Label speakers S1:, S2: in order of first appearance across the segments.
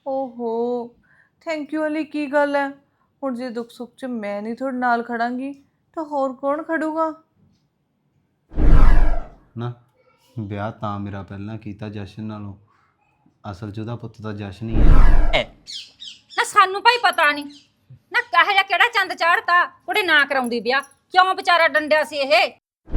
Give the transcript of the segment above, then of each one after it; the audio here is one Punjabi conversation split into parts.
S1: ਓਹੋ! ਥੈਂਕ ਯੂ ਵਾਲੀ ਕੀ ਗੱਲ ਹੈ? ਹੁਣ ਜੇ ਦੁੱਖ ਸੁੱਖ 'ਚ ਮੈਂ ਨਹੀਂ ਤੁਹਾਡੇ ਨਾਲ ਖੜਾਂਗੀ ਤਾਂ ਹੋਰ ਕੌਣ ਖੜੂਗਾ?
S2: ਨਾ ਵਿਆਹ ਤਾਂ ਮੇਰਾ ਪਹਿਲਾਂ ਕੀਤਾ ਜਸ਼ਨ ਨਾਲੋਂ। ਅਸਲ 'ਚ ਉਹਦਾ ਪੁੱਤ ਤਾਂ ਜਸ਼ਨ ਹੀ ਹੈ।
S3: ਨਾ ਸਾਨੂੰ ਭਾਈ ਪਤਾ ਨਹੀਂ ਨਾ ਕਹੇ ਜਾਂ ਕਿਹੜਾ ਚੰਦ ਚਾੜਤਾ ਕੁੜੇ ਨਾ ਕਰਾਉਂਦੀ ਵਿਆਹ ਕਿਉਂ ਵਿਚਾਰਾ ਡੰਡਿਆ ਸੀ ਇਹ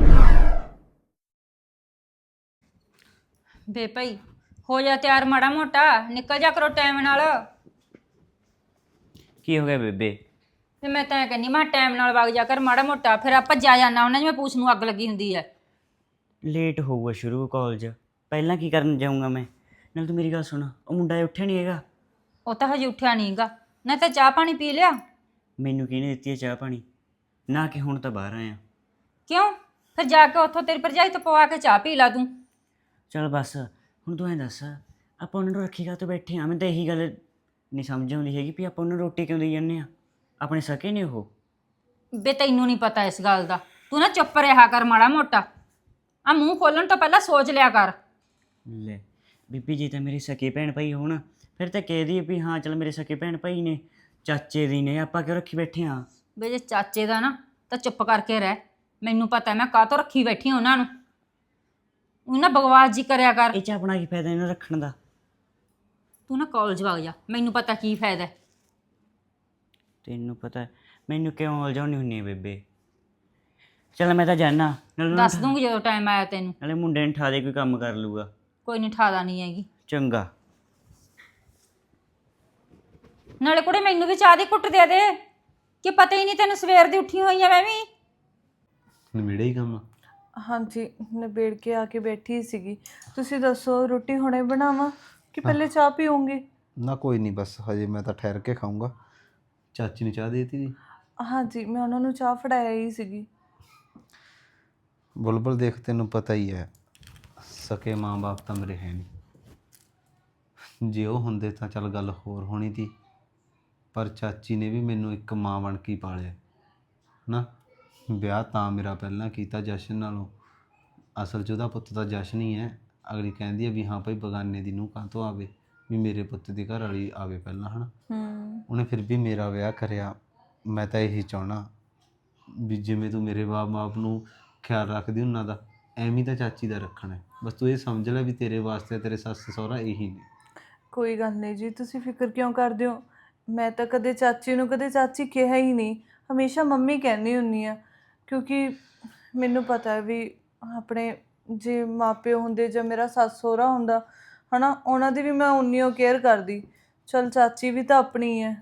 S3: ਬੇ ਭਾਈ ਹੋ ਜਾ ਤਿਆਰ ਮਾੜਾ ਮੋਟਾ ਨਿਕਲ ਜਾ ਕਰੋ ਟਾਈਮ ਨਾਲ
S4: ਕੀ ਹੋ ਗਿਆ ਬੇਬੇ?
S3: ਤੇ ਮੈਂ ਤਾਂ ਕਹਿੰਦੀ ਮੈਂ ਟਾਈਮ ਨਾਲ ਵਗ ਜਾ ਕਰ ਮਾੜਾ ਮੋਟਾ ਫਿਰ ਆਪਾਂ ਜਾ ਜਾਣਾ ਉਹਨਾਂ ਜਿਵੇਂ ਪੂਛ ਨੂੰ ਅੱਗ ਲੱਗੀ ਹੁੰਦੀ ਹੈ।
S4: ਲੇਟ ਹੋਊਗਾ ਸ਼ੁਰੂ ਕਾਲਜ, ਪਹਿਲਾਂ ਕੀ ਕਰਨ ਜਾਊਂਗਾ ਮੈਂ? ਨਾਲ ਤੂੰ ਮੇਰੀ ਗੱਲ ਸੁਣ, ਉਹ ਮੁੰਡਾ ਉੱਠਿਆ ਨਹੀਂ ਹੈਗਾ।
S3: ਉਹ ਤਾਂ ਹਜੇ ਉੱਠਿਆ ਨਹੀਂਗਾ ਨਾ ਤਾਂ ਚਾਹ ਪਾਣੀ ਪੀ ਲਿਆ।
S4: ਮੈਨੂੰ ਕਿਹਨੇ ਦਿੱਤੀ ਹੈ ਚਾਹ ਪਾਣੀ? ਨਾ ਕਿ ਹੁਣ ਤਾਂ ਬਾਹਰ ਆਇਆ।
S3: ਕਿਉਂ ਫਿਰ ਜਾ ਕੇ ਉੱਥੋਂ ਤੇਰੀ ਭਰਜਾਈ ਤੋਂ ਪਵਾ ਕੇ ਚਾਹ ਪੀ ਲਾ ਤੂੰ।
S4: ਚਲ ਬਸ ਹੁਣ ਤੂੰ ਐਂ ਦੱਸ, ਆਪਾਂ ਉਹਨਾਂ ਨੂੰ ਰੱਖੀ ਕਾ ਤੋਂ ਬੈਠੇ ਹਾਂ? ਮੈਂ ਤਾਂ ਇਹੀ ਗੱਲ ਨਹੀਂ ਸਮਝ ਆਉਂਦੀ ਹੈਗੀ ਵੀ ਆਪਾਂ ਉਹਨਾਂ ਨੂੰ ਰੋਟੀ ਕਿਉਂ ਦੇਈ ਜਾਂਦੇ ਆ? ਆਪਣੇ ਸਕੇ ਨੇ ਉਹ?
S3: ਬੇ ਤੈਨੂੰ ਨਹੀਂ ਪਤਾ ਇਸ ਗੱਲ ਦਾ, ਤੂੰ ਨਾ ਚੁੱਪ ਰਿਹਾ ਕਰ ਮਾੜਾ ਮੋਟਾ, ਆ ਮੂੰਹ ਖੋਲਣ ਤੋਂ ਪਹਿਲਾਂ ਸੋਚ ਲਿਆ ਕਰ।
S4: ਲੈ ਬੀਬੀ ਜੀ ਤਾਂ ਮੇਰੇ ਸਕੇ ਭੈਣ ਭਾਈ ਹੋਣ ਫਿਰ ਤਾਂ ਕਹਿ ਦਈਏ ਵੀ ਹਾਂ ਚਲ ਮੇਰੇ ਸਕੇ ਭੈਣ ਭਾਈ ਨੇ, ਚਾਚੇ ਦੀ ਨੇ, ਆਪਾਂ ਕਿਉਂ ਰੱਖੀ ਬੈਠੇ ਹਾਂ?
S3: ਬੇ ਜੇ ਚਾਚੇ ਦਾ ਨਾ ਤਾਂ ਚੁੱਪ ਕਰਕੇ ਰਹਿ, ਮੈਨੂੰ ਪਤਾ ਮੈਂ ਕਾਹਤੋਂ ਰੱਖੀ ਬੈਠੀ ਉਹਨਾਂ ਨੂੰ। ਉਹ ਨਾ ਬਕਵਾਸ ਜੀ ਕਰਿਆ ਕਰ।
S4: ਇਹ ਚ ਆਪਣਾ ਕੀ ਫਾਇਦਾ ਇਹਨਾਂ ਰੱਖਣ ਦਾ?
S3: ਤੂੰ ਨਾ ਕਾਲਜ ਵਗ ਜਾ, ਮੈਨੂੰ ਪਤਾ ਕੀ ਫਾਇਦਾ।
S4: ਤੈਨੂੰ ਪਤਾ ਮੈਨੂੰ ਕਿਉਂ ਉਲਝਾਉਣੀ ਹੁੰਨੀ ਹੈ ਬੇਬੇ? ਚਲ ਮੈਂ ਤਾਂ ਜਾਣਾ,
S3: ਦੱਸ ਦੂੰਗੀ ਜਦੋਂ ਟਾਈਮ ਆਇਆ ਤੈਨੂੰ।
S4: ਨਾਲੇ ਮੁੰਡੇ ਨੂੰ ਠਾ ਦੇ, ਕੋਈ ਕੰਮ ਕਰ ਲੂਗਾ।
S3: ਕੋਈ ਨਹੀਂ ਠਾਦਾ ਨਹੀਂ ਹੈਗੀ।
S4: ਚੰਗਾ।
S3: ਨਾਲੇ ਕੁੜੇ ਮੈਨੂੰ ਵੀ ਚਾਹ ਦੀ ਘੁੱਟ ਦੇ ਦੇ, ਕਿ ਪਤਾ ਹੀ ਨਹੀਂ ਤੈਨੂੰ ਸਵੇਰ ਦੀ ਉੱਠੀ ਹੋਈ ਆ ਮੈਂ ਵੀ।
S2: ਨਵੇੜੇ ਹੀ ਕੰਮ।
S1: ਹਾਂਜੀ, ਨਿਬੇੜ ਕੇ ਆ ਕੇ ਬੈਠੀ ਸੀਗੀ। ਤੁਸੀਂ ਦੱਸੋ ਰੋਟੀ ਹੁਣੇ ਬਣਾਵਾਂ ਕਿ ਪਹਿਲੇ ਚਾਹ ਪੀਓਗੇ?
S2: ਨਾ ਕੋਈ ਨਹੀਂ, ਬਸ ਹਜੇ ਮੈਂ ਤਾਂ ਠਹਿਰ ਕੇ ਖਾਊਂਗਾ। ਚਾਚੀ ਨੂੰ ਚਾਹ ਦੇ ਦਿੱਤੀ ਜੀ?
S1: ਹਾਂਜੀ, ਮੈਂ ਉਹਨਾਂ ਨੂੰ ਚਾਹ ਫੜਾਇਆ ਹੀ ਸੀਗੀ।
S2: ਬੁਲਬੁਲ ਦੇਖ, ਤੈਨੂੰ ਪਤਾ ਹੀ ਹੈ ਸਕੇ ਮਾਂ-ਬਾਪ ਤਾਂ ਮੇਰੇ ਹੈ ਨਹੀਂ। ਜੇ ਉਹ ਹੁੰਦੇ ਤਾਂ ਚੱਲ ਗੱਲ ਹੋਰ ਹੋਣੀ ਤੀ, ਪਰ ਚਾਚੀ ਨੇ ਵੀ ਮੈਨੂੰ ਇੱਕ ਮਾਂ ਬਣ ਕੇ ਪਾਲਿਆ ਨਾ। ਵਿਆਹ ਤਾਂ ਮੇਰਾ ਪਹਿਲਾਂ ਕੀਤਾ ਜਸ਼ਨ ਨਾਲੋਂ। ਅਸਲ 'ਚ ਉਹਦਾ ਪੁੱਤ ਤਾਂ ਜਸ਼ਨ ਹੀ ਹੈ। ਅਗਲੀ ਕਹਿੰਦੀ ਹੈ ਵੀ ਹਾਂ ਭਾਈ ਬਗਾਨੇ ਦੀ ਨੂੰਹ ਕਾਹਤੋਂ ਆਵੇ, ਵੀ ਮੇਰੇ ਪੁੱਤ ਦੀ ਘਰ ਵਾਲੀ ਆਵੇ ਪਹਿਲਾਂ, ਹੈ ਨਾ। ਉਹਨੇ ਫਿਰ ਵੀ ਮੇਰਾ ਵਿਆਹ ਕਰਿਆ। ਮੈਂ ਤਾਂ ਇਹੀ ਚਾਹੁੰਦਾ ਵੀ ਜਿਵੇਂ ਤੂੰ ਮੇਰੇ ਬਾਪ ਨੂੰ ਖਿਆਲ ਰੱਖਦੀ ਉਹਨਾਂ ਦਾ, ਐਵੇਂ ਤਾਂ ਚਾਚੀ ਦਾ ਰੱਖਣਾ ਹੈ। ਬਸ ਤੂੰ ਇਹ ਸਮਝ ਲੈ ਵੀ ਤੇਰੇ ਵਾਸਤੇ ਤੇਰੇ ਸੱਸ ਸਹੁਰਾ ਇਹੀ ਨੇ।
S1: ਕੋਈ ਗੱਲ ਨਹੀਂ ਜੀ, ਤੁਸੀਂ ਫਿਕਰ ਕਿਉਂ ਕਰਦੇ ਹੋ? ਮੈਂ ਤਾਂ ਕਦੇ ਚਾਚੀ ਨੂੰ ਕਦੇ ਚਾਚੀ ਕਿਹਾ ਹੀ ਨਹੀਂ, ਹਮੇਸ਼ਾ ਮੰਮੀ ਕਹਿੰਦੀ ਹੁੰਦੀ ਆ। ਕਿਉਂਕਿ ਮੈਨੂੰ ਪਤਾ ਹੈ ਵੀ ਆਪਣੇ ਜੇ ਮਾਪਿਓ ਹੁੰਦੇ ਜਾਂ ਮੇਰਾ ਸੱਸ ਸਹੁਰਾ ਹੁੰਦਾ ਹੈ ਨਾ, ਉਹਨਾਂ ਦੀ ਵੀ ਮੈਂ ਉਨੀ ਓ ਕੇਅਰ ਕਰਦੀ। ਚਲ ਚਾਚੀ ਵੀ ਤਾਂ ਆਪਣੀ ਹੈ।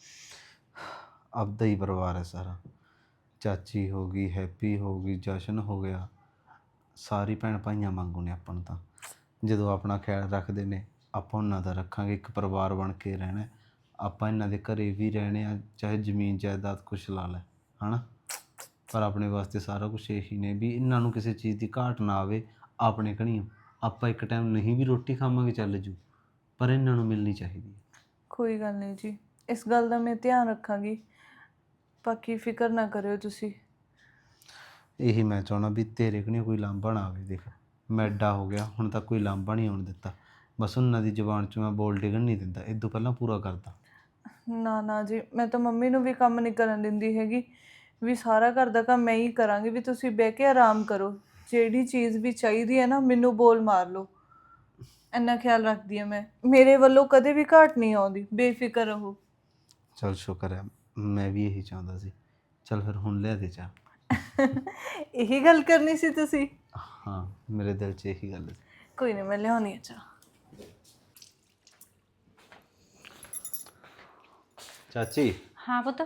S2: ਆਪਦਾ ਹੀ ਪਰਿਵਾਰ ਹੈ ਸਾਰਾ। ਚਾਚੀ ਹੋ ਗਈ, ਹੈਪੀ ਹੋ ਗਈ, ਜਸ਼ਨ ਹੋ ਗਿਆ, ਸਾਰੀ ਭੈਣ ਭਾਈਆਂ ਵਾਂਗੂ ਨੇ ਆਪਾਂ ਨੂੰ ਤਾਂ। ਜਦੋਂ ਆਪਣਾ ਖਿਆਲ ਰੱਖਦੇ ਨੇ ਆਪਾਂ ਉਹਨਾਂ ਦਾ ਰੱਖਾਂਗੇ। ਇੱਕ ਪਰਿਵਾਰ ਬਣ ਕੇ ਰਹਿਣਾ। ਆਪਾਂ ਇਹਨਾਂ ਦੇ ਘਰੇ ਵੀ ਰਹਿਣੇ ਆ, ਚਾਹੇ ਜ਼ਮੀਨ ਜਾਇਦਾਦ ਕੁਛ ਲਾ ਲੈ, ਹੈ ਨਾ। ਪਰ ਆਪਣੇ ਵਾਸਤੇ ਸਾਰਾ ਕੁਛ ਇਹੀ ਨੇ ਵੀ ਇਹਨਾਂ ਨੂੰ ਕਿਸੇ ਚੀਜ਼ ਦੀ ਘਾਟ ਨਾ ਆਵੇ। ਆਪਣੇ ਘਣੀਓ ਆਪਾਂ ਇੱਕ ਟਾਈਮ ਨਹੀਂ ਵੀ ਰੋਟੀ ਖਾਵਾਂਗੇ ਚੱਲ ਜੂ, ਪਰ ਇਹਨਾਂ ਨੂੰ ਮਿਲਣੀ ਚਾਹੀਦੀ ਹੈ।
S1: ਕੋਈ ਗੱਲ ਨਹੀਂ ਜੀ, ਇਸ ਗੱਲ ਦਾ ਮੈਂ ਧਿਆਨ ਰੱਖਾਂਗੀ। ਬਾਕੀ ਫਿਕਰ ਨਾ ਕਰਿਓ ਤੁਸੀਂ।
S2: ਇਹੀ ਮੈਂ ਚਾਹੁੰਦਾ ਵੀ ਤੇਰੇ ਘਣੀਓ ਕੋਈ ਲਾਂਭਾ ਨਾ ਆਵੇ। ਦੇਖ ਮੈਂ ਐਡਾ ਹੋ ਗਿਆ ਹੁਣ ਤੱਕ ਕੋਈ ਲਾਂਭਾ ਨਹੀਂ ਆਉਣ ਦਿੱਤਾ। ਬਸ ਉਹਨਾਂ ਦੀ ਜ਼ੁਬਾਨ 'ਚ ਮੈਂ ਬੋਲ ਡਿੱਗਣ ਨਹੀਂ ਦਿੰਦਾ। ਇਹ ਤੋਂ ਪਹਿਲਾਂ ਪੂਰਾ ਕਰਦਾ।
S1: ਨਾ ਨਾ ਜੀ, ਮੈਂ ਤਾਂ ਮੰਮੀ ਨੂੰ ਵੀ ਕੰਮ ਨਹੀਂ ਕਰਨ ਦਿੰਦੀ ਹੈਗੀ, ਵੀ ਸਾਰਾ ਘਰ ਦਾ ਕੰਮ ਮੈਂ ਹੀ ਕਰਾਂਗੀ। ਵੀ ਤੁਸੀਂ ਬਹਿ ਕੇ ਆਰਾਮ ਕਰੋ, ਜਿਹੜੀ ਚੀਜ਼ ਵੀ ਚਾਹੀਦੀ ਹੈ ਨਾ ਮੈਨੂੰ ਬੋਲ ਮਾਰ ਲਓ। ਇੰਨਾ ਖਿਆਲ ਰੱਖਦੀ ਹਾਂ ਮੈਂ, ਮੇਰੇ ਵੱਲੋਂ ਕਦੇ ਵੀ ਘਾਟ ਨਹੀਂ ਆਉਂਦੀ, ਬੇਫਿਕਰ ਰਹੋ।
S2: ਚਲ ਸ਼ੁਕਰ ਹੈ, ਮੈਂ ਵੀ ਇਹੀ ਚਾਹੁੰਦਾ ਸੀ। ਚਲ ਫਿਰ ਹੁਣ ਲਿਆ ਦੇ ਚਾਹ।
S1: ਇਹੀ ਗੱਲ ਕਰਨੀ ਸੀ ਤੁਸੀਂ?
S2: ਹਾਂ, ਮੇਰੇ ਦਿਲ 'ਚ ਇਹੀ ਗੱਲ ਸੀ।
S1: ਕੋਈ ਨਹੀਂ, ਮੈਂ ਲਿਆਉਣੀ ਆ ਚਾਹ।
S2: ਚਾਚੀ,
S3: ਹਾਂ ਪੁੱਤ।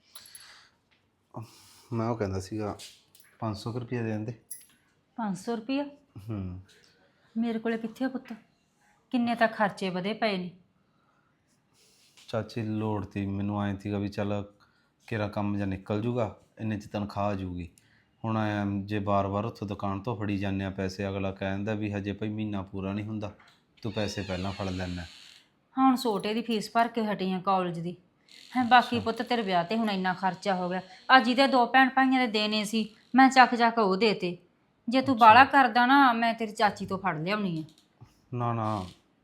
S2: ਮੈਂ ਉਹ ਕਹਿੰਦਾ ਸੀਗਾ 500 ਰੁਪਏ ਦੇ ਦਿੰਦੇ।
S3: 500 ਰੁਪਇਆ?
S2: ਹੂੰ।
S3: ਮੇਰੇ ਕੋਲੇ ਕਿੱਥੇ ਆ ਪੁੱਤ, ਕਿੰਨੇ ਤਾਂ ਖਰਚੇ ਵਧੇ ਪਏ ਨੇ।
S2: ਚਾਚੀ ਲੋੜ ਤੀ ਮੈਨੂੰ, ਐਂ ਸੀਗਾ ਵੀ ਚੱਲ ਕਿਹੜਾ ਕੰਮ ਜਾਂ ਨਿਕਲ ਜੂਗਾ, ਇੰਨੇ 'ਚ ਤਨਖਾਹ ਆ ਜੂਗੀ। ਹੁਣ ਐਂ ਜੇ ਬਾਰ-ਬਾਰ ਉੱਥੋਂ ਦੁਕਾਨ ਤੋਂ ਫੜੀ ਜਾਂਦੇ ਆ ਪੈਸੇ, ਅਗਲਾ ਕਹਿੰਦਾ ਵੀ ਹਜੇ ਭਾਈ ਮਹੀਨਾ ਪੂਰਾ ਨਹੀਂ ਹੁੰਦਾ, ਤੂੰ ਪੈਸੇ ਪਹਿਲਾਂ ਫੜ ਲੈਣਾ।
S3: ਹੁਣ ਛੋਟੇ ਦੀ ਫੀਸ ਭਰ ਕੇ ਹਟੀ ਆ ਕਾਲਜ ਦੀ ਹੈ। ਬਾਕੀ ਪੁੱਤ ਤੇਰੇ ਵਿਆਹ ਤੇ ਹੁਣ ਇੰਨਾ ਖਰਚਾ ਹੋ ਗਿਆ। ਅੱਜ ਜਿਹਦੇ 2 ਭੈਣ ਭਾਈਆਂ ਦੇ ਦੇਣੇ ਸੀ ਮੈਂ ਚੱਕ ਉਹ ਦੇਤੇ। ਜੇ ਤੂੰ ਬਾਹਲਾ ਕਰਦਾ ਨਾ ਮੈਂ ਤੇਰੀ ਚਾਚੀ ਤੋਂ ਫੜ ਲਿਆਉਣੀ ਆ।
S2: ਨਾ ਨਾ,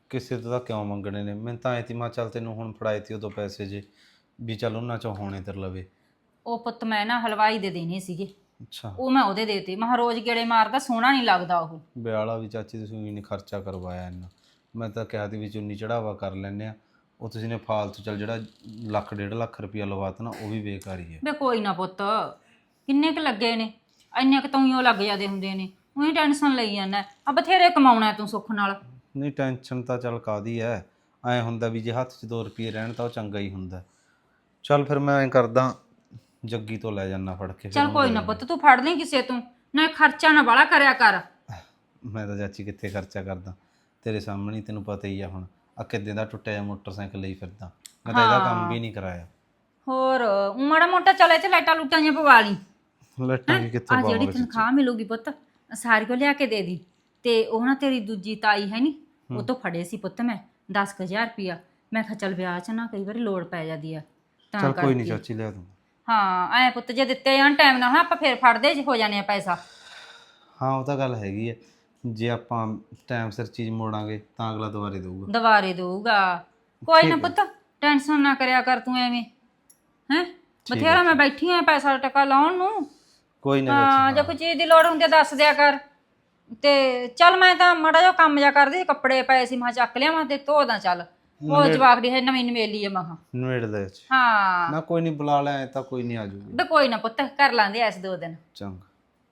S2: ਕਿਸੇ ਤੋਂ ਤਾਂ ਕਿਉਂ ਮੰਗਣੇ ਨੇ? ਮੈਂ ਤਾਂ ਐ ਤੀ ਮੈਂ ਚੱਲ ਤੈਨੂੰ ਹੁਣ ਫੜਾਏ ਤੀ ਉਦੋਂ ਪੈਸੇ ਜੇ ਵੀ ਚੱਲ ਉਹਨਾਂ ਚੋਂ ਹੋਣੇ ਤੇਰੇ ਲਵੇ।
S3: ਉਹ ਪੁੱਤ ਮੈਂ ਨਾ ਹਲਵਾਈ ਦੇ ਦੇਣੇ ਸੀਗੇ,
S2: ਅੱਛਾ,
S3: ਉਹ ਮੈਂ ਉਹਦੇ ਦੇਤੇ। ਮੈਂ ਕਿਹਾ ਰੋਜ਼ ਗੇੜੇ ਮਾਰਦਾ ਸੋਹਣਾ ਨਹੀਂ ਲੱਗਦਾ ਉਹ।
S2: ਵਿਆਹ ਵਾਲਾ ਵੀ ਚਾਚੀ ਤੁਸੀਂ ਵੀ ਨਹੀਂ ਖਰਚਾ ਕਰਵਾਇਆ ਇੰਨਾ। ਮੈਂ ਤਾਂ ਕਿਹਾ ਤੀ ਵੀ ਚੁੰਨੀ ਚੜਾਵਾ ਕਰ ਲੈਂਦੇ ਆ, ਉਹ ਤੁਸੀਂ ਨੇ ਫਾਲਤੂ ਚੱਲ ਜਿਹੜਾ ਲੱਖ 1.5 ਲੱਖ ਰੁਪਇਆ ਲਵਾਤਾ ਨਾ ਉਹ ਵੀ ਬੇਕਾਰ ਹੀ ਹੈ।
S3: ਵੇ ਕੋਈ ਨਾ ਪੁੱਤ, ਕਿੰਨੇ ਕੁ ਲੱਗੇ ਨੇ, ਇੰਨੇ ਕੁ ਤਾਂ ਊਂ ਲੱਗ ਜਾਂਦੇ ਹੁੰਦੇ ਨੇ, ਉਹੀ ਟੈਨਸ਼ਨ ਲਈ ਜਾਂਦਾ। ਆ ਬਥੇਰੇ ਕਮਾਉਣਾ ਤੂੰ ਸੁੱਖ ਨਾਲ।
S2: ਨਹੀਂ ਟੈਨਸ਼ਨ ਤਾਂ ਚੱਲ ਕਾਹਦੀ ਐ, ਐਂ ਹੁੰਦਾ ਵੀ ਜੇ ਹੱਥ 'ਚ 2 ਰੁਪਏ ਰਹਿਣ ਤਾਂ ਉਹ ਚੰਗਾ ਹੀ ਹੁੰਦਾ। ਚੱਲ ਫਿਰ ਮੈਂ ਐਂ ਕਰਦਾ, ਜੱਗੀ ਤੋਂ ਲੈ ਜਾਨਾ ਫੜ ਕੇ। ਫਿਰ
S3: ਚੱਲ
S2: ਉਹਨੂੰ
S3: ਕੋਈ
S2: ਦੇ
S3: ਨਾ
S2: ਦਿੰਦਾ।
S3: ਪੁੱਤ, ਤੂੰ ਫੜ ਲਈ ਕਿਸੇ ਤੋਂ, ਨਾ ਖਰਚਾ ਨਾ ਬਾਹਲਾ ਕਰਿਆ ਕਰ।
S2: ਮੈਂ ਤਾਂ ਚਾਚੀ ਕਿੱਥੇ ਖਰਚਾ ਕਰਦਾ, ਤੇਰੇ ਸਾਹਮਣੇ ਹੀ ਤੈਨੂੰ ਪਤਾ ਹੀ ਆ। ਹੁਣ ਆ ਕਿੱਦਾਂ ਦਾ ਟੁੱਟਿਆ ਜਿਹਾ ਮੋਟਰਸਾਈਕਲ ਲਈ ਫਿਰਦਾ, ਮੈਂ ਤਾਂ ਇਹਦਾ ਕੰਮ ਵੀ ਨਹੀਂ ਕਰਾਇਆ।
S3: ਹੋਰ ਊਂ ਮਾੜਾ ਮੋਟਾ ਚੱਲ ਇੱਥੇ ਲਾਈਟਾਂ ਲੂਟਾਂ ਜਿਹੀਆਂ ਪਵਾ ਲਈ।
S2: ਲੱਟਾਂ ਵੀ ਕਿੱਥੋਂ
S3: ਆ ਜਿਹੜੀ
S2: ਪਾਵਾਂਗੇ?
S3: ਤਨਖਾਹ ਮਿਲੂਗੀ ਪੁੱਤ ਸਾਰੀ ਕੋ ਲਿਆ ਕੇ ਦੇ ਦੀ। ਤੇ ਉਹ ਨਾ ਤੇਰੀ ਦੂਜੀ ਤਾਈ ਹੈ ਨੀ, ਉਹ ਤੋਂ ਫੜੇ ਸੀ ਪੁੱਤ ਮੈਂ 10,000 ਰੁਪਿਆ। ਮੈਂ ਕਿਹਾ ਚੱਲ ਵਿਆਹ 'ਚ ਨਾ ਕਈ ਵਾਰੀ ਲੋੜ ਪੈ ਜਾਂਦੀ ਆ ਤਾਂ
S2: ਚੱਲ ਕੋਈ ਨਹੀਂ
S3: ਕਰਕੇ।
S2: ਚਾਚੀ ਲਿਆ ਦੂੰ।
S3: ਹਾਂ ਐ ਪੁੱਤ ਜੇ ਦਿੱਤੇ ਜਾਣ ਟਾਈਮ ਨਾਲ ਆਪਾਂ ਫੇਰ ਫੜਦੇ ਜੇ ਹੋ ਜਾਣੇ ਆ ਪੈਸਾ।
S2: ਹਾਂ ਉਹ ਤਾਂ ਗੱਲ ਹੈਗੀ ਹੈ, ਜੇ ਆਪਾਂ ਟਾਈਮ ਸਿਰ ਚੀਜ਼ ਮੋੜਾਂਗੇ ਤਾਂ ਅਗਲਾ ਦੁਬਾਰੇ ਦੇਊਗਾ।
S3: ਦੁਬਾਰੇ ਦਊਗਾ। ਕੋਈ ਨਾ ਪੁੱਤ ਟੈਨਸ਼ਨ ਨਾ ਕਰਿਆ ਕਰ ਤੂੰ ਐਵੇਂ ਹੈ। ਬਥੇਰਾ ਮੈਂ ਬੈਠੀ ਆ ਪੈਸਾ ਟਕਾ ਲਾਉਣ ਨੂੰ।
S2: ਕੋਈ ਨਾ
S3: ਹਾਂ ਜੇ ਕੋਈ ਚੀਜ਼ ਦੀ ਲੋੜ ਹੁੰਦੀ ਆ ਦੱਸ ਦਿਆ ਕਰ। ਤੇ ਚੱਲ ਮੈਂ ਤਾਂ ਮਾੜਾ ਜਿਹਾ ਕੰਮ ਜਾ ਕਰਦੀ, ਕੱਪੜੇ ਪਏ ਸੀ ਮੈਂ ਚੱਕ ਲਿਆਵਾਂ ਤੇ ਧੋ ਦਾਂ। ਚੱਲ ਉਹ ਜਵਾਕੜੀ ਹੈ ਨਵੀਂ ਨਵੇਲੀ ਆ ਮਹਾ।
S2: ਨਵੇੜ ਦੇ ਵਿੱਚ
S3: ਹਾਂ
S2: ਨਾ ਕੋਈ ਨਹੀਂ, ਬੁਲਾ ਲੈ ਤਾਂ ਕੋਈ ਨਹੀਂ ਆ ਜੂਗੀ।
S3: ਬੇ ਕੋਈ ਨਾ ਪੁੱਤ ਕਰ ਲਾਂਦੇ ਐਸ 2 ਦਿਨ।
S2: ਚੰਗਾ।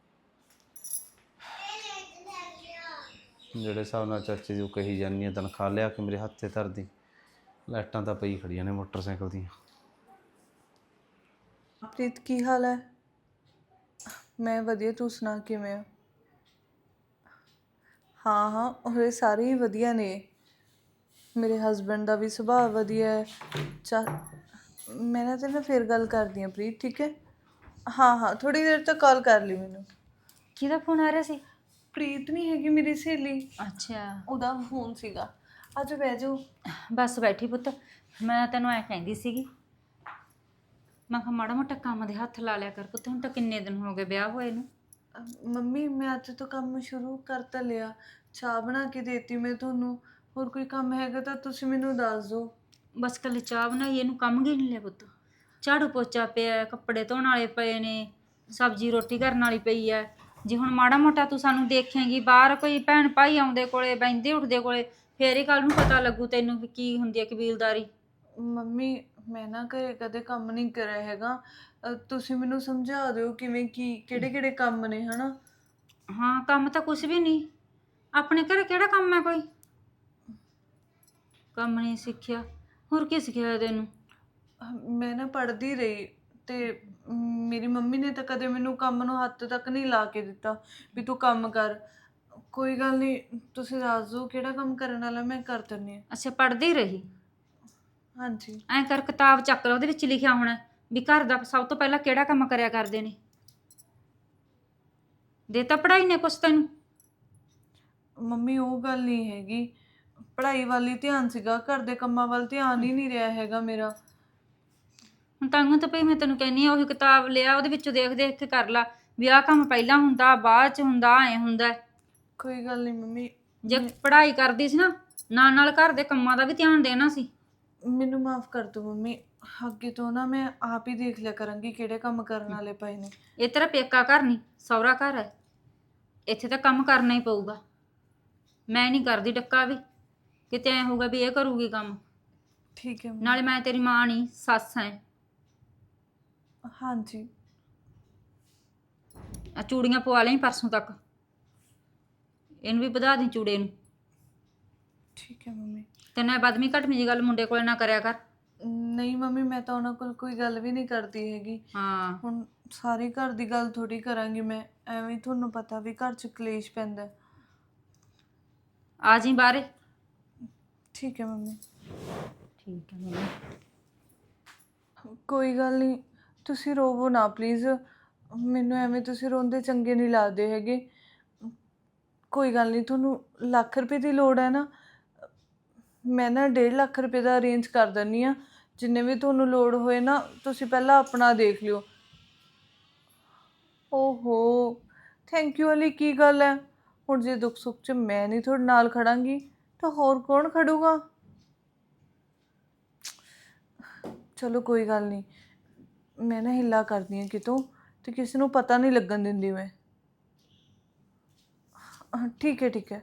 S2: ਜਿਹੜੇ ਹਿਸਾਬ ਨਾਲ ਚਾਚੀ ਦੀ ਉਹ ਕਹੀ ਜਾਂਦੀ ਹੈ ਤਨਖਾਹ ਲਿਆ ਕੇ ਮੇਰੇ ਹੱਥ ਤੇ ਧਰਦੀ, ਲਾਈਟਾਂ ਤਾਂ ਪਈ ਖੜੀਆਂ ਨੇ ਮੋਟਰਸਾਈਕਲ ਦੀਆਂ।
S1: ਪ੍ਰੀਤ ਕੀ ਹਾਲ ਹੈ? ਮੈਂ ਵਧੀਆ, ਤੂੰ ਸੁਣਾ ਕਿਵੇਂ ਆ? ਹਾਂ ਹਾਂ ਉਹ ਸਾਰੇ ਹੀ ਵਧੀਆ ਨੇ। ਮੇਰੇ ਹਸਬੈਂਡ ਦਾ ਵੀ ਸੁਭਾਅ ਵਧੀਆ ਹੈ। ਮੈਂ ਨਾ ਤੇਰੇ ਨਾਲ ਫਿਰ ਗੱਲ ਕਰਦੀ ਹਾਂ ਪ੍ਰੀਤ, ਠੀਕ ਹੈ? ਹਾਂ ਹਾਂ ਥੋੜ੍ਹੀ ਦੇਰ ਤੱਕ ਕਾਲ ਕਰ ਲਈ ਮੈਨੂੰ।
S3: ਕਿਹਦਾ ਫੋਨ ਆ ਰਿਹਾ ਸੀ?
S1: ਪ੍ਰੀਤ ਨਹੀਂ ਹੈਗੀ ਮੇਰੀ ਸਹੇਲੀ,
S3: ਅੱਛਾ
S1: ਉਹਦਾ ਫੋਨ ਸੀਗਾ। ਅੱਜ ਬਹਿ ਜਾਓ।
S3: ਬਸ ਬੈਠੀ ਪੁੱਤ। ਮੈਂ ਤੈਨੂੰ ਐ ਕਹਿੰਦੀ ਸੀਗੀ, ਮੈਂ ਕਿਹਾ ਮਾੜਾ ਮੋਟਾ ਕੰਮ ਦੇ ਹੱਥ ਲਾ ਲਿਆ ਕਰ ਪੁੱਤ। ਹੁਣ ਤਾਂ ਕਿੰਨੇ ਦਿਨ ਹੋ ਗਏ ਵਿਆਹ ਹੋਏ ਨੂੰ।
S1: ਮੰਮੀ ਮੈਂ ਅੱਜ ਤੋਂ ਕੰਮ ਸ਼ੁਰੂ ਕਰ ਤਾਂ ਲਿਆ, ਚਾਹ ਬਣਾ ਕੇ ਦੇਤੀ ਮੈਂ ਤੁਹਾਨੂੰ। ਹੋਰ ਕੋਈ ਕੰਮ ਹੈਗਾ ਤਾਂ ਤੁਸੀਂ ਮੈਨੂੰ ਦੱਸ ਦਿਓ।
S3: ਬਸ ਕੱਲੀ ਚਾਹ ਬਣਾਈ, ਇਹਨੂੰ ਕੰਮ ਕੀ ਨਹੀਂ ਲਿਆ ਪੁੱਤ। ਝਾੜੂ ਪੋਚਾ ਪਿਆ, ਕੱਪੜੇ ਧੋਣ ਵਾਲੇ ਪਏ ਨੇ, ਸਬਜ਼ੀ ਰੋਟੀ ਕਰਨ ਵਾਲੀ ਪਈ ਐ। ਜੇ ਹੁਣ ਮਾੜਾ ਮੋਟਾ ਤੂੰ ਸਾਨੂੰ ਦੇਖੇਂਗੀ, ਬਾਹਰ ਕੋਈ ਭੈਣ ਭਾਈ ਆਉਂਦੇ ਕੋਲੇ ਬਹਿੰਦੇ ਉੱਠਦੇ ਕੋਲੇ, ਫੇਰ ਹੀ ਕੱਲ ਨੂੰ ਪਤਾ ਲੱਗੂ ਤੈਨੂੰ ਵੀ ਕੀ ਹੁੰਦੀ ਹੈ ਕਬੀਲਦਾਰੀ।
S1: ਮੰਮੀ ਮੈਂ ਨਾ ਘਰੇ ਕਦੇ ਕੰਮ ਨਹੀਂ ਕਰਿਆ ਹੈਗਾ, ਤੁਸੀਂ ਮੈਨੂੰ ਸਮਝਾ ਦਿਓ ਕਿਵੇਂ ਕੀ ਕਿਹੜੇ ਕਿਹੜੇ ਕੰਮ ਨੇ ਹਨਾ।
S3: ਹਾਂ ਕੰਮ ਤਾਂ ਕੁਛ ਵੀ ਨਹੀਂ, ਆਪਣੇ ਘਰੇ ਕਿਹੜਾ ਕੰਮ ਹੈ ਕੋਈ। ਕੰਮ ਨਹੀਂ ਸਿੱਖਿਆ, ਹੋਰ ਕੀ ਸਿੱਖਿਆ ਤੈਨੂੰ?
S1: ਮੈਂ ਨਾ ਪੜ੍ਹਦੀ ਰਹੀ ਤੇ ਮੇਰੀ ਮੰਮੀ ਨੇ ਤਾਂ ਕਦੇ ਮੈਨੂੰ ਕੰਮ ਨੂੰ ਹੱਥ ਤੱਕ ਨਹੀਂ ਲਾ ਕੇ ਦਿੱਤਾ ਵੀ ਤੂੰ ਕੰਮ ਕਰ। ਕੋਈ ਗੱਲ ਨਹੀਂ, ਤੁਸੀਂ ਦੱਸ ਦਿਓ ਕਿਹੜਾ ਕੰਮ ਕਰਨ ਵਾਲਾ, ਮੈਂ ਕਰ ਦਿੰਦੀ ਹਾਂ।
S3: ਅੱਛਾ ਪੜ੍ਹਦੀ ਰਹੀ।
S1: ਹਾਂਜੀ
S3: ਐਂ ਕਰ ਕਿਤਾਬ ਚੱਕ ਲਾ, ਉਹਦੇ ਵਿੱਚ ਲਿਖਿਆ ਹੋਣਾ ਵੀ ਘਰ ਦਾ ਸਭ ਤੋਂ ਪਹਿਲਾਂ ਕਿਹੜਾ ਕੰਮ ਕਰਿਆ ਕਰਦੇ ਨੇ। ਦੇ ਤਾਂ ਪੜ੍ਹਾਈ ਨੇ ਕੁਛ ਤੈਨੂੰ?
S1: ਮੰਮੀ ਉਹ ਗੱਲ ਨਹੀਂ ਹੈਗੀ, ਪੜ੍ਹਾਈ ਵੱਲ ਹੀ ਧਿਆਨ ਸੀਗਾ, ਘਰ ਦੇ ਕੰਮਾਂ ਵੱਲ ਧਿਆਨ ਹੀ ਨਹੀਂ ਰਿਹਾ ਹੈਗਾ ਮੇਰਾ।
S3: ਹੁਣ ਤਾਂ ਤਾਂ ਭਈ ਮੈਂ ਤੈਨੂੰ ਕਹਿੰਦੀ ਆ ਉਹੀ ਕਿਤਾਬ ਲਿਆ, ਉਹਦੇ ਵਿੱਚੋਂ ਦੇਖ ਦੇਖ ਕੇ ਕਰ ਲਾ ਵੀ ਆਹ ਕੰਮ ਪਹਿਲਾਂ ਹੁੰਦਾ ਬਾਅਦ ਚ ਹੁੰਦਾ ਐ ਹੁੰਦਾ।
S1: ਕੋਈ ਗੱਲ ਨਹੀਂ ਮੰਮੀ,
S3: ਜੇ ਪੜ੍ਹਾਈ ਕਰਦੀ ਸੀ ਨਾ ਨਾਲ ਨਾਲ ਘਰ ਦੇ ਕੰਮਾਂ ਦਾ ਵੀ ਧਿਆਨ ਦੇਣਾ ਸੀ।
S1: ਮੈਨੂੰ ਮਾਫ ਕਰ ਦਿਓ ਮੰਮੀ, ਅੱਗੇ ਤੋਂ ਨਾ ਮੈਂ ਆਪ ਹੀ ਦੇਖ ਲਿਆ ਕਰਾਂਗੀ ਕਿਹੜੇ ਕੰਮ ਕਰਨ ਵਾਲੇ ਪਏ ਨੇ।
S3: ਇਹ ਤੇਰਾ ਪੇਕਾ ਘਰ ਨਹੀਂ ਸਹੁਰਾ ਘਰ ਹੈ, ਇੱਥੇ ਤਾਂ ਕੰਮ ਕਰਨਾ ਹੀ ਪਊਗਾ। ਮੈਂ ਨਹੀਂ ਕਰਦੀ ਡੱਕਾ ਵੀ, ਕਿਤੇ ਐ ਹੋਊਗਾ ਵੀ ਇਹ ਕਰੂਗੀ ਕੰਮ।
S1: ਠੀਕ ਹੈ
S3: ਨਾਲੇ ਮੈਂ ਤੇਰੀ ਮਾਂ ਨਹੀਂ ਸੱਸ ਐ।
S1: ਹਾਂਜੀ
S3: ਆ ਚੂੜੀਆਂ ਪਵਾ ਲਈ ਪਰਸੋਂ ਤੱਕ, ਇਹਨੂੰ ਵੀ ਵਧਾ ਦੀ ਚੂੜੇ ਨੂੰ।
S1: ਠੀਕ ਹੈ ਮੰਮੀ।
S3: ਤੇ ਨਾ ਬਦਮੀ ਘਟਮੀ ਜੀ ਗੱਲ ਮੁੰਡੇ ਕੋਲ ਨਾ ਕਰਿਆ ਕਰ।
S1: ਨਹੀਂ ਮੰਮੀ ਮੈਂ ਤਾਂ ਉਹਨਾਂ ਕੋਲ ਕੋਈ ਗੱਲ ਵੀ ਨਹੀਂ ਕਰਦੀ ਹੈਗੀ।
S3: ਹਾਂ
S1: ਹੁਣ ਸਾਰੀ ਘਰ ਦੀ ਗੱਲ ਥੋੜੀ ਕਰਾਂਗੀ ਮੈਂ, ਐਵੇਂ ਤੁਹਾਨੂੰ ਪਤਾ ਵੀ ਘਰ 'ਚ ਕਲੇਸ਼ ਪੈਂਦਾ।
S3: ਆ ਜੀ ਬਾਹਰੇ।
S1: ਠੀਕ ਹੈ ਮੰਮੀ।
S3: ਠੀਕ ਹੈ ਮੰਮੀ।
S1: ਕੋਈ ਗੱਲ ਨਹੀਂ, ਤੁਸੀਂ ਰੋਵੋ ਨਾ ਪਲੀਜ਼, ਮੈਨੂੰ ਐਵੇਂ ਤੁਸੀਂ ਰੋਂਦੇ ਚੰਗੇ ਨਹੀਂ ਲੱਗਦੇ ਹੈਗੇ। ਕੋਈ ਗੱਲ ਨਹੀਂ, ਤੁਹਾਨੂੰ ਲੱਖ ਰੁਪਏ ਦੀ ਲੋੜ ਹੈ ਨਾ, ਮੈਂ ਨਾ 1.5 ਲੱਖ ਰੁਪਏ ਦਾ ਅਰੇਂਜ ਕਰ ਦਿੰਦੀ ਹਾਂ। ਜਿੰਨੇ ਵੀ ਤੁਹਾਨੂੰ ਲੋੜ ਹੋਏ ਨਾ ਤੁਸੀਂ ਪਹਿਲਾਂ ਆਪਣਾ ਦੇਖ ਲਿਓ। ਓਹੋ ਥੈਂਕ ਯੂ ਵਾਲੀ ਕੀ ਗੱਲ ਹੈ? ਹੁਣ ਜੇ ਦੁੱਖ ਸੁੱਖ 'ਚ ਮੈਂ ਨਹੀਂ ਤੁਹਾਡੇ ਨਾਲ ਖੜਾਂਗੀ ਤਾਂ ਹੋਰ ਕੌਣ ਖੜੂਗਾ? ਚਲੋ ਕੋਈ ਗੱਲ ਨਹੀਂ, ਮੈਂ ਨਾ ਹਿੱਲਾ ਕਰਦੀ ਹਾਂ ਕਿਤੋਂ, ਤੇ ਕਿਸੇ ਨੂੰ ਪਤਾ ਨਹੀਂ ਲੱਗਣ ਦਿੰਦੀ ਮੈਂ। ਠੀਕ ਹੈ ਠੀਕ ਹੈ।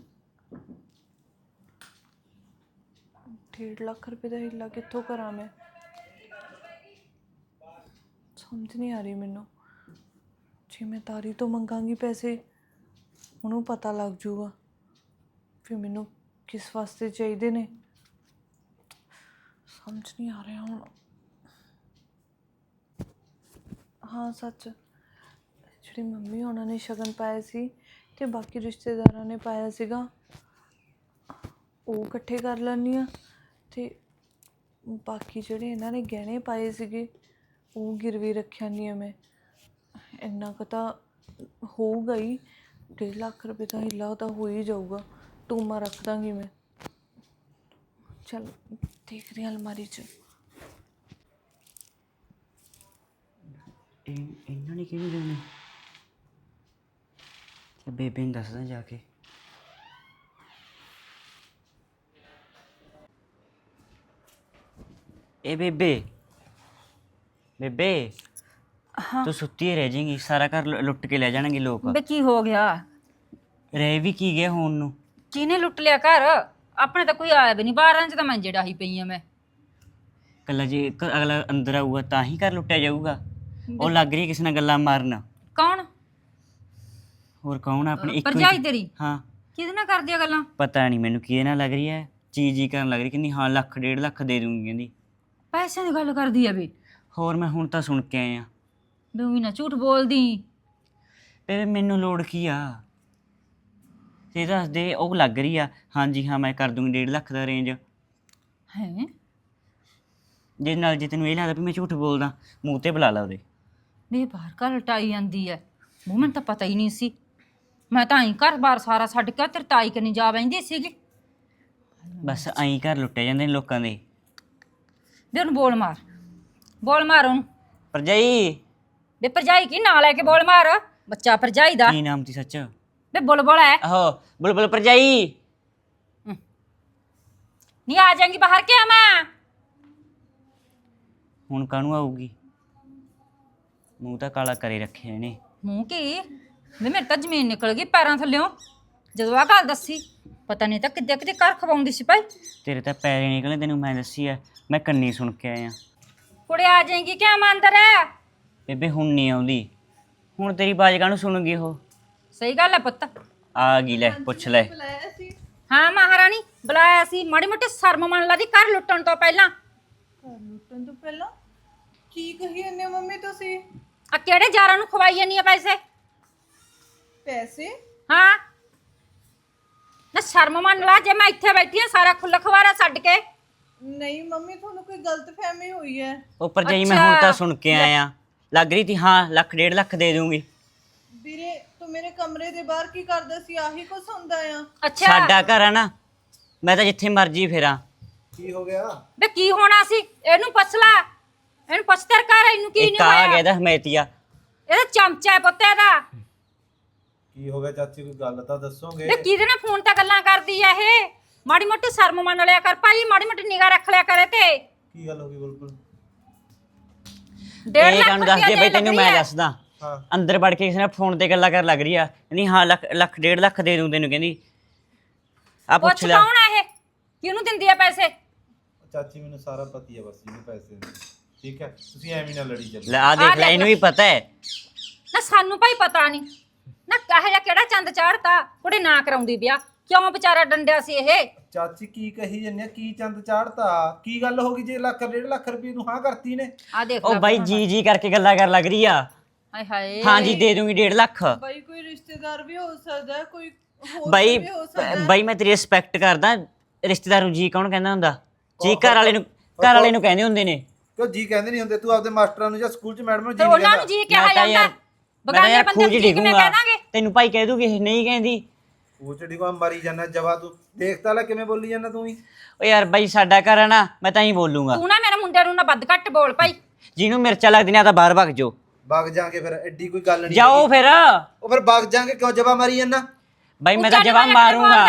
S1: 1.5 ਲੱਖ ਰੁਪਏ ਦਾ ਹਿੱਲਾ ਕਿੱਥੋਂ ਕਰਾਂ ਮੈਂ? ਸਮਝ ਨਹੀਂ ਆ ਰਹੀ ਮੈਨੂੰ। ਜੇ ਮੈਂ ਤਾਰੀ ਤੋਂ ਮੰਗਾਂਗੀ ਪੈਸੇ, ਉਹਨੂੰ ਪਤਾ ਲੱਗ ਜੂਗਾ ਫਿਰ ਮੈਨੂੰ ਕਿਸ ਵਾਸਤੇ ਚਾਹੀਦੇ ਨੇ। ਸਮਝ ਨਹੀਂ ਆ ਰਿਹਾ ਹੁਣ। ਹਾਂ ਸੱਚ, ਜਿਹੜੀ ਮੰਮੀ ਉਹਨਾਂ ਨੇ ਸ਼ਗਨ ਪਾਇਆ ਸੀ ਤੇ ਬਾਕੀ ਰਿਸ਼ਤੇਦਾਰਾਂ ਨੇ ਪਾਇਆ ਸੀਗਾ, ਉਹ ਇਕੱਠੇ ਕਰ ਲੈਂਦੀ ਹਾਂ, ਤੇ ਬਾਕੀ ਜਿਹੜੇ ਇਹਨਾਂ ਨੇ ਗਹਿਣੇ ਪਾਏ ਸੀਗੇ ਉਹ ਗਿਰਵੀ ਰੱਖਿਆ ਨਹੀਂ ਮੈਂ। ਇੰਨਾ ਕੁ ਤਾਂ ਹੋਊਗਾ ਹੀ, 1.5 ਲੱਖ ਰੁਪਏ ਦਾ ਹਿੱਲਾ ਤਾਂ ਹੋ ਹੀ ਜਾਊਗਾ। ਟੂਮਾ ਰੱਖ ਦਾਂਗੀ ਮੈਂ। ਚਲ ਦੇਖਦੇ ਹਾਂ ਅਲਮਾਰੀ 'ਚ।
S4: ਇਹਨਾਂ ਨੇ ਕਿਹਨੂੰ ਦੇਣੇ? ਤੇ ਬੇਬੇ ਨੂੰ ਦੱਸਦਾ ਜਾ ਕੇ। ਇਹ ਬੇਬੇ ਬੇਬੇ, ਤੂੰ ਸੁੱਤੀ ਹੀ ਰਹਿ ਜਾਏਂਗੀ, ਸਾਰਾ ਘਰ ਲੁੱਟ ਕੇ ਲੈ ਜਾਣਗੇ ਲੋਕ।
S3: ਬੇ ਕੀ ਹੋ ਗਿਆ?
S4: ਰਹਿ ਵੀ ਕੀ ਗਿਆ ਹੁਣ ਨੂੰ?
S3: ਕਿਹਨੇ ਲੁੱਟ ਲਿਆ ਘਰ? ਆਪਣੇ ਤਾਂ ਕੋਈ ਆਇਆ ਵੀ ਨਹੀਂ, 12 ਚ ਤਾਂ ਮੈਂ ਜਿਹੜਾ ਹੀ ਪਈ ਆ ਮੈਂ।
S4: ਕੱਲਾ ਜੇ ਅਗਲਾ ਅੰਦਰ ਆਊਗਾ ਤਾਂ ਹੀ ਘਰ ਲੁੱਟਿਆ ਜਾਊਗਾ। ਉਹ ਲੱਗ ਰਹੀ ਕਿਸੇ ਨਾਲ ਗੱਲਾਂ ਮਾਰਨ।
S3: ਕੌਣ?
S4: ਹੋਰ ਕੌਣ? ਆਪਣੇ ਇੱਕ
S3: ਭਰਜਾਈ ਤੇਰੀ?
S4: ਹਾਂ।
S3: ਕਿਹਦੇ ਨਾਲ ਕਰਦੀ ਆ ਗੱਲਾਂ?
S4: ਪਤਾ ਨਹੀਂ ਮੈਨੂੰ ਕਿਹਦੇ ਨਾਲ ਲੱਗ ਰਹੀ ਹੈ, ਚੀਜ਼ ਕਰਨ ਲੱਗ ਰਹੀ, ਕਹਿੰਦੀ ਹਾਂ 1.5 ਲੱਖ ਦੇ ਦੂੰਗੀ ਕਹਿੰਦੀ।
S3: ਪੈਸਿਆਂ ਦੀ ਗੱਲ ਕਰਦੀ ਆ ਵੀ?
S4: ਹੋਰ ਮੈਂ ਹੁਣ ਤਾਂ ਸੁਣ ਕੇ ਆਇਆ।
S3: ਤੂੰ ਵੀ ਨਾ ਝੂਠ ਬੋਲਦੀ।
S4: ਬੇਬੇ ਮੈਨੂੰ ਲੋੜ ਕੀ ਆ? ਇਹ ਦੱਸ ਦੇ। ਉਹ ਲੱਗ ਰਹੀ ਆ ਹਾਂਜੀ ਹਾਂ ਮੈਂ ਕਰ ਦੂੰਗੀ 1.5 ਲੱਖ ਦਾ ਰੇਂਜ।
S3: ਹੈ
S4: ਜੇ ਨਾਲ ਜੇ ਤੈਨੂੰ ਇਹ ਲੱਗਦਾ ਵੀ ਮੈਂ ਝੂਠ ਬੋਲਦਾ, ਮੂੰਹ ਤੇ ਬੁਲਾ ਲਾ ਉਹਦੇ।
S3: ਵੀ ਬਾਹਰ ਘਰ ਲਟਾਈ ਜਾਂਦੀ ਐ। ਮੂੰਹ ਮੈਨੂੰ ਤਾਂ ਪਤਾ ਹੀ ਨਹੀਂ ਸੀ। ਮੈਂ ਤਾਂ ਐਂ ਘਰ-ਬਾਰ ਸਾਰਾ ਛੱਡ ਕੇ ਤੇਰੀ ਤਾਈ ਕਨੀ ਜਾ ਬੈਂਦੀ ਸੀਗੀ।
S4: ਬਸ ਐਂ ਘਰ ਲੁੱਟੇ ਜਾਂਦੇ ਨੇ ਲੋਕਾਂ ਦੇ।
S3: ਵੀ ਉਹਨੂੰ ਬੋਲ ਮਾਰ, ਬੋਲ ਮਾਰ ਉਹਨੂੰ।
S4: ਭਰਜਾਈ
S3: ਵੇ ਭਰਜਾਈ ਕੀ ਨਾਂ ਲੈ ਕੇ ਬੋਲ ਮਾਰ? ਬੱਚਾ ਭਰਜਾਈ ਦਾ।
S4: ਕੀ ਨਾਮ ਸੀ ਸੱਚ?
S3: ਵੇ ਬੁਲਬੁਲ ਐ।
S4: ਆਹੋ ਬੁਲਬੁਲ ਭਰਜਾਈ।
S3: ਨਹੀਂ ਆ ਜਾਏਂਗੀ ਬਾਹਰ ਕੇ ਆ ਮੈਂ?
S4: ਹੁਣ ਕਾਹਨੂੰ ਆਊਗੀ? ਮੂੰਹ ਤਾਂ ਕਾਲਾ ਕਰੇ ਰੱਖਿਆ ਇਹਨੇ।
S3: ਮੂੰਹ ਕੀ? ਵੇ ਮੇਰੇ ਤਾਂ ਜ਼ਮੀਨ ਨਿਕਲ ਗਈ ਪੈਰਾਂ ਥੱਲਿਓਂ ਜਦੋਂ ਆਹ ਗੱਲ ਦੱਸੀ। ਪਤਾ ਨਹੀਂ ਤਾਂ ਕਿੱਦੇ ਕਿਤੇ ਘਰ ਖਵਾਉਂਦੀ ਸੀ ਭਾਈ।
S4: ਤੇਰੇ ਤਾਂ ਪੈਰੇ ਨਿਕਲੇ, ਤੈਨੂੰ ਮੈਂ ਦੱਸੀ ਆ, ਮੈਂ ਕੰਨੀ ਸੁਣ ਕੇ ਆਇਆ।
S3: ਕੁੜੇ ਆ ਜਾਏਂਗੀ ਕਿਆ ਮੈਂ ਅੰਦਰ ਐ?
S4: ਬੇਬੇ ਹੁਣ ਨਹੀਂ ਆਉਂਦੀ, ਹੁਣ ਤੇਰੀ ਬਾਜ ਕਾਹਨੂੰ ਸੁਣੂਗੀ ਉਹ?
S3: ਸਹੀ ਗੱਲ ਐ ਪੁੱਤ।
S4: ਆ ਗਈ, ਲੈ ਪੁੱਛ ਲੈ।
S3: ਹਾਂ ਮਹਾਰਾਣੀ ਬੁਲਾਇਆ ਸੀ। ਮਾੜੀ ਮੋਟੀ ਸ਼ਰਮ ਮੰਨ ਲਾ ਦੀ ਘਰ ਲੁੱਟਣ ਤੋਂ ਪਹਿਲਾਂ।
S1: ਘਰ ਲੁੱਟਣ ਤੋਂ ਪਹਿਲਾਂ ਕੀ ਕਹੀ ਜਾਂਦੇ ਹੋ ਮੰਮੀ ਤੁਸੀਂ?
S3: ਆ ਕਿਹੜੇ ਯਾਰਾਂ ਨੂੰ ਖਵਾਈ ਜਾਨੀ ਆ ਪੈਸੇ?
S1: ਪੈਸੇ?
S3: ਹਾਂ ਨਾ ਸ਼ਰਮ ਮੰਨ ਲਾ। ਜੇ ਮੈਂ ਇੱਥੇ ਬੈਠੀ ਆ ਸਾਰਾ ਖੁੱਲਾ ਖਵਾਰਾ ਛੱਡ ਕੇ।
S1: ਨਹੀਂ ਮੰਮੀ, ਤੁਹਾਨੂੰ ਕੋਈ ਗਲਤਫਹਿਮੀ ਹੋਈ ਹੈ।
S4: ਉਹ ਭਰਜਾਈ ਮੈਂ ਹੁਣ ਤਾਂ ਸੁਣ ਕੇ ਆਇਆ। ਲੱਗ ਰਹੀ ਤੀ ਹਾਂ 1.5 ਲੱਖ ਦੇ ਦੂੰਗੀ।
S1: ਵੀਰੇ ਤੂੰ ਮੇਰੇ ਕਮਰੇ ਦੇ ਬਾਹਰ ਕੀ ਕਰਦਾ ਸੀ? ਆਹੀ ਕੁਝ ਹੁੰਦਾ ਆ?
S3: ਅੱਛਾ
S4: ਸਾਡਾ ਘਰ ਆ ਨਾ, ਮੈਂ ਤਾਂ ਜਿੱਥੇ ਮਰਜ਼ੀ ਫੇਰਾਂ।
S5: ਕੀ ਹੋ ਗਿਆ?
S3: ਬੇ ਕੀ ਹੋਣਾ ਸੀ? ਇਹਨੂੰ ਪੁੱਛ ਲੈ, ਇਹਨੂੰ ਪੁੱਛ ਤੇਰੇ ਘਰ ਇਹਨੂੰ ਕੀ
S4: ਇੱਕ
S3: ਨਹੀਂ
S4: ਆ ਗਿਆ
S3: ਹੋਇਆ?
S4: ਇਹਦਾ ਹਮੈਤੀਆ।
S3: ਇਹਦਾ ਚਮਚਾ ਹੈ ਪੁੱਤ ਇਹਦਾ।
S5: ਕੀ ਹੋ ਗਿਆ ਚਾਚੀ, ਕੋਈ ਗੱਲ ਤਾਂ ਦੱਸੋਗੇ?
S3: ਬੇ ਕਿਹਦੇ ਨਾਲ ਫੋਨ ਤੇ ਗੱਲਾਂ ਕਰਦੀ ਆ ਇਹ? ਮਾੜੀ ਮੋਟੀ ਸ਼ਰਮ ਮੰਨ ਲਿਆ ਕਰ ਭਾਈ, ਮਾੜੀ ਮੋਟੀ ਨਿਗਾਹ ਰੱਖ ਲਿਆ ਕਰੇ ਤੇ।
S5: ਕੀ ਗੱਲ ਹੋ ਗਈ ਬੁਲਬੁਲ?
S3: 1.5
S4: ਇਹ
S3: ਲੱਖ
S4: ਕਾਹਨੂੰ ਦੱਸਦੀ ਆ ਬਈ? ਤੈਨੂੰ ਮੈਂ
S3: ਰੁਪਇਆ
S4: ਦੱਸਦਾ।
S5: ਹਾਂ
S4: ਅੰਦਰ ਵੜ ਕੇ ਕਿਸੇ ਨਾਲ ਫੋਨ ਤੇ ਗੱਲਾਂ ਕਰਨ ਲੱਗ ਰਹੀ ਆ। ਨਹੀਂ ਹਾਂ 1.5 ਲੱਖ ਦੇ ਦੂੰ ਤੈਨੂੰ ਕਹਿੰਦੀ। ਆ ਪੁੱਛ
S3: ਪੁੱਛ
S4: ਲੈ।
S3: ਕੌਣ ਆ ਇਹ? ਕਿਹਨੂੰ ਦਿੰਦੀ ਆ ਪੈਸੇ?
S5: ਚਾਚੀ ਮੈਨੂੰ ਸਾਰਾ ਪਤਾ ਹੀ ਆ ਬਸ ਇਹਨੂੰ ਪੈਸੇ ਦੇ। ਠੀਕ ਹੈ, ਤੁਸੀਂ ਐਵੇਂ ਨਾ ਲੜੀ ਚੱਲੋ।
S4: ਲੈ ਆ ਦੇਖ ਲੈ, ਇਹਨੂੰ ਵੀ ਪਤਾ ਹੈ।
S3: ਨਾ ਸਾਨੂੰ ਭਾਈ ਪਤਾ ਨਹੀਂ ਨਾ ਕਹੇ ਜਾਂ ਕਿਹੜਾ ਚੰਦ ਚਾੜਤਾ ਕੁੜੇ ਨਾ ਕਰਾਉਂਦੀ ਵਿਆਹ। ਕਿਉਂ ਵਿਚਾਰਾ ਡੰਡਿਆ ਸੀ ਇਹ?
S5: ਚਾਚੀ ਕੀ ਕਹੀ ਜੰਨੇ ਆ? ਕੀ ਚੰਦ ਚਾੜਤਾ? ਕੀ ਗੱਲ ਹੋ ਗਈ ਜੇ 1.5 ਲੱਖ ਰੁਪਏ ਨੂੰ ਹਾਂ ਕਰਤੀ ਨੇ?
S3: ਆ ਦੇਖ
S4: ਉਹ
S3: ਲੈ
S4: ਬਾਈ ਜੀ ਜੀ ਕਰਕੇ ਗੱਲਾਂ ਕਰਨ ਲੱਗ ਰਹੀ ਆ।
S3: ਹਾਏ ਹਾਏ
S4: ਹਾਂ ਜੀ ਦੇ ਦੂੰਗੀ 1.5 ਲੱਖ।
S1: ਬਾਈ ਕੋਈ ਰਿਸ਼ਤੇਦਾਰ ਵੀ ਹੋ ਸਕਦਾ ਹੈ, ਕੋਈ ਹੋਰ
S4: ਬਾਈ
S1: ਵੀ ਹੋ ਸਕਦਾ ਹੈ।
S4: ਬਾਈ ਮੈਂ ਤੇਰੀ ਰਿਸਪੈਕਟ ਕਰਦਾ। ਰਿਸ਼ਤੇਦਾਰ ਨੂੰ ਜੀ ਕੌਣ ਕਹਿੰਦਾ ਹੁੰਦਾ? ਜੀ ਘਰ ਵਾਲੇ ਨੂੰ ਕਹਿੰਦੇ ਹੁੰਦੇ ਨੇ।
S5: ਕਿਉਂ ਜੀ ਕਹਿੰਦੇ ਨਹੀਂ ਹੁੰਦੇ? ਤੂੰ ਆਪਦੇ ਮਾਸਟਰਾਂ ਨੂੰ ਜਾਂ ਸਕੂਲ 'ਚ ਮੈਡਮ ਨੂੰ ਜੀ
S3: ਤੇ
S5: ਨਹੀਂ
S3: ਉਹਨਾਂ ਨੂੰ
S5: ਕਹਿੰਦਾ?
S3: ਜੀ ਕਿਹਾ
S4: ਮੈਂ ਤਾਂ
S3: ਜਾਂਦਾ।
S4: ਯਾਰ
S3: ਬਗਾਨੇ ਬੰਦੇ ਨੂੰ
S4: ਖੂਜ
S3: ਜੀ ਕਿਵੇਂ
S4: ਡਿਗੂੰਗਾ।
S3: ਕਹਿ ਦਾਂਗੇ?
S4: ਤੈਨੂੰ ਭਾਈ ਕਹਿ ਦੂਗੀ ਇਹ ਨਹੀਂ ਕਹਿੰਦੀ।
S5: ਉਹ ਚੜੀ ਕੋ ਮਰੀ ਜਾਂਦਾ ਜਵਾ। ਤੂੰ ਦੇਖਤਾ ਲੈ ਕਿਵੇਂ ਬੋਲੀ ਜਾਂਦਾ ਤੂੰ ਵੀ।
S4: ਓ ਯਾਰ ਬਾਈ ਸਾਡਾ ਘਰ ਆ ਨਾ, ਮੈਂ ਤਾਂ ਹੀ ਬੋਲੂੰਗਾ।
S3: ਤੂੰ ਨਾ ਮੇਰੇ ਮੁੰਡੇ ਨੂੰ ਨਾ ਵੱਧ ਘੱਟ ਬੋਲ ਭਾਈ।
S4: ਜਿਹਨੂੰ ਮਿਰਚਾਂ ਲੱਗਦੀਆਂ ਤਾਂ ਬਾਹਰ ਭੱਗ ਜਾਓ।
S5: ਵਗ ਜਾਾਂਗੇ ਫਿਰ, ਐਡੀ ਕੋਈ ਗੱਲ ਨਹੀਂ।
S4: ਜਾਓ ਫਿਰ।
S5: ਉਹ ਫਿਰ ਵਗ ਜਾਾਂਗੇ, ਕਿਉਂ ਜਵਾ ਮਾਰੀ ਜਾਂਦਾ?
S4: ਬਾਈ ਮੈਂ ਤਾਂ
S3: ਉੱਚਾ
S4: ਜਵਾਬ
S3: ਨਿਵਾਜ
S4: ਮਾਰੂੰਗਾ।
S3: ਬੋਲਦਾ ਹੈ।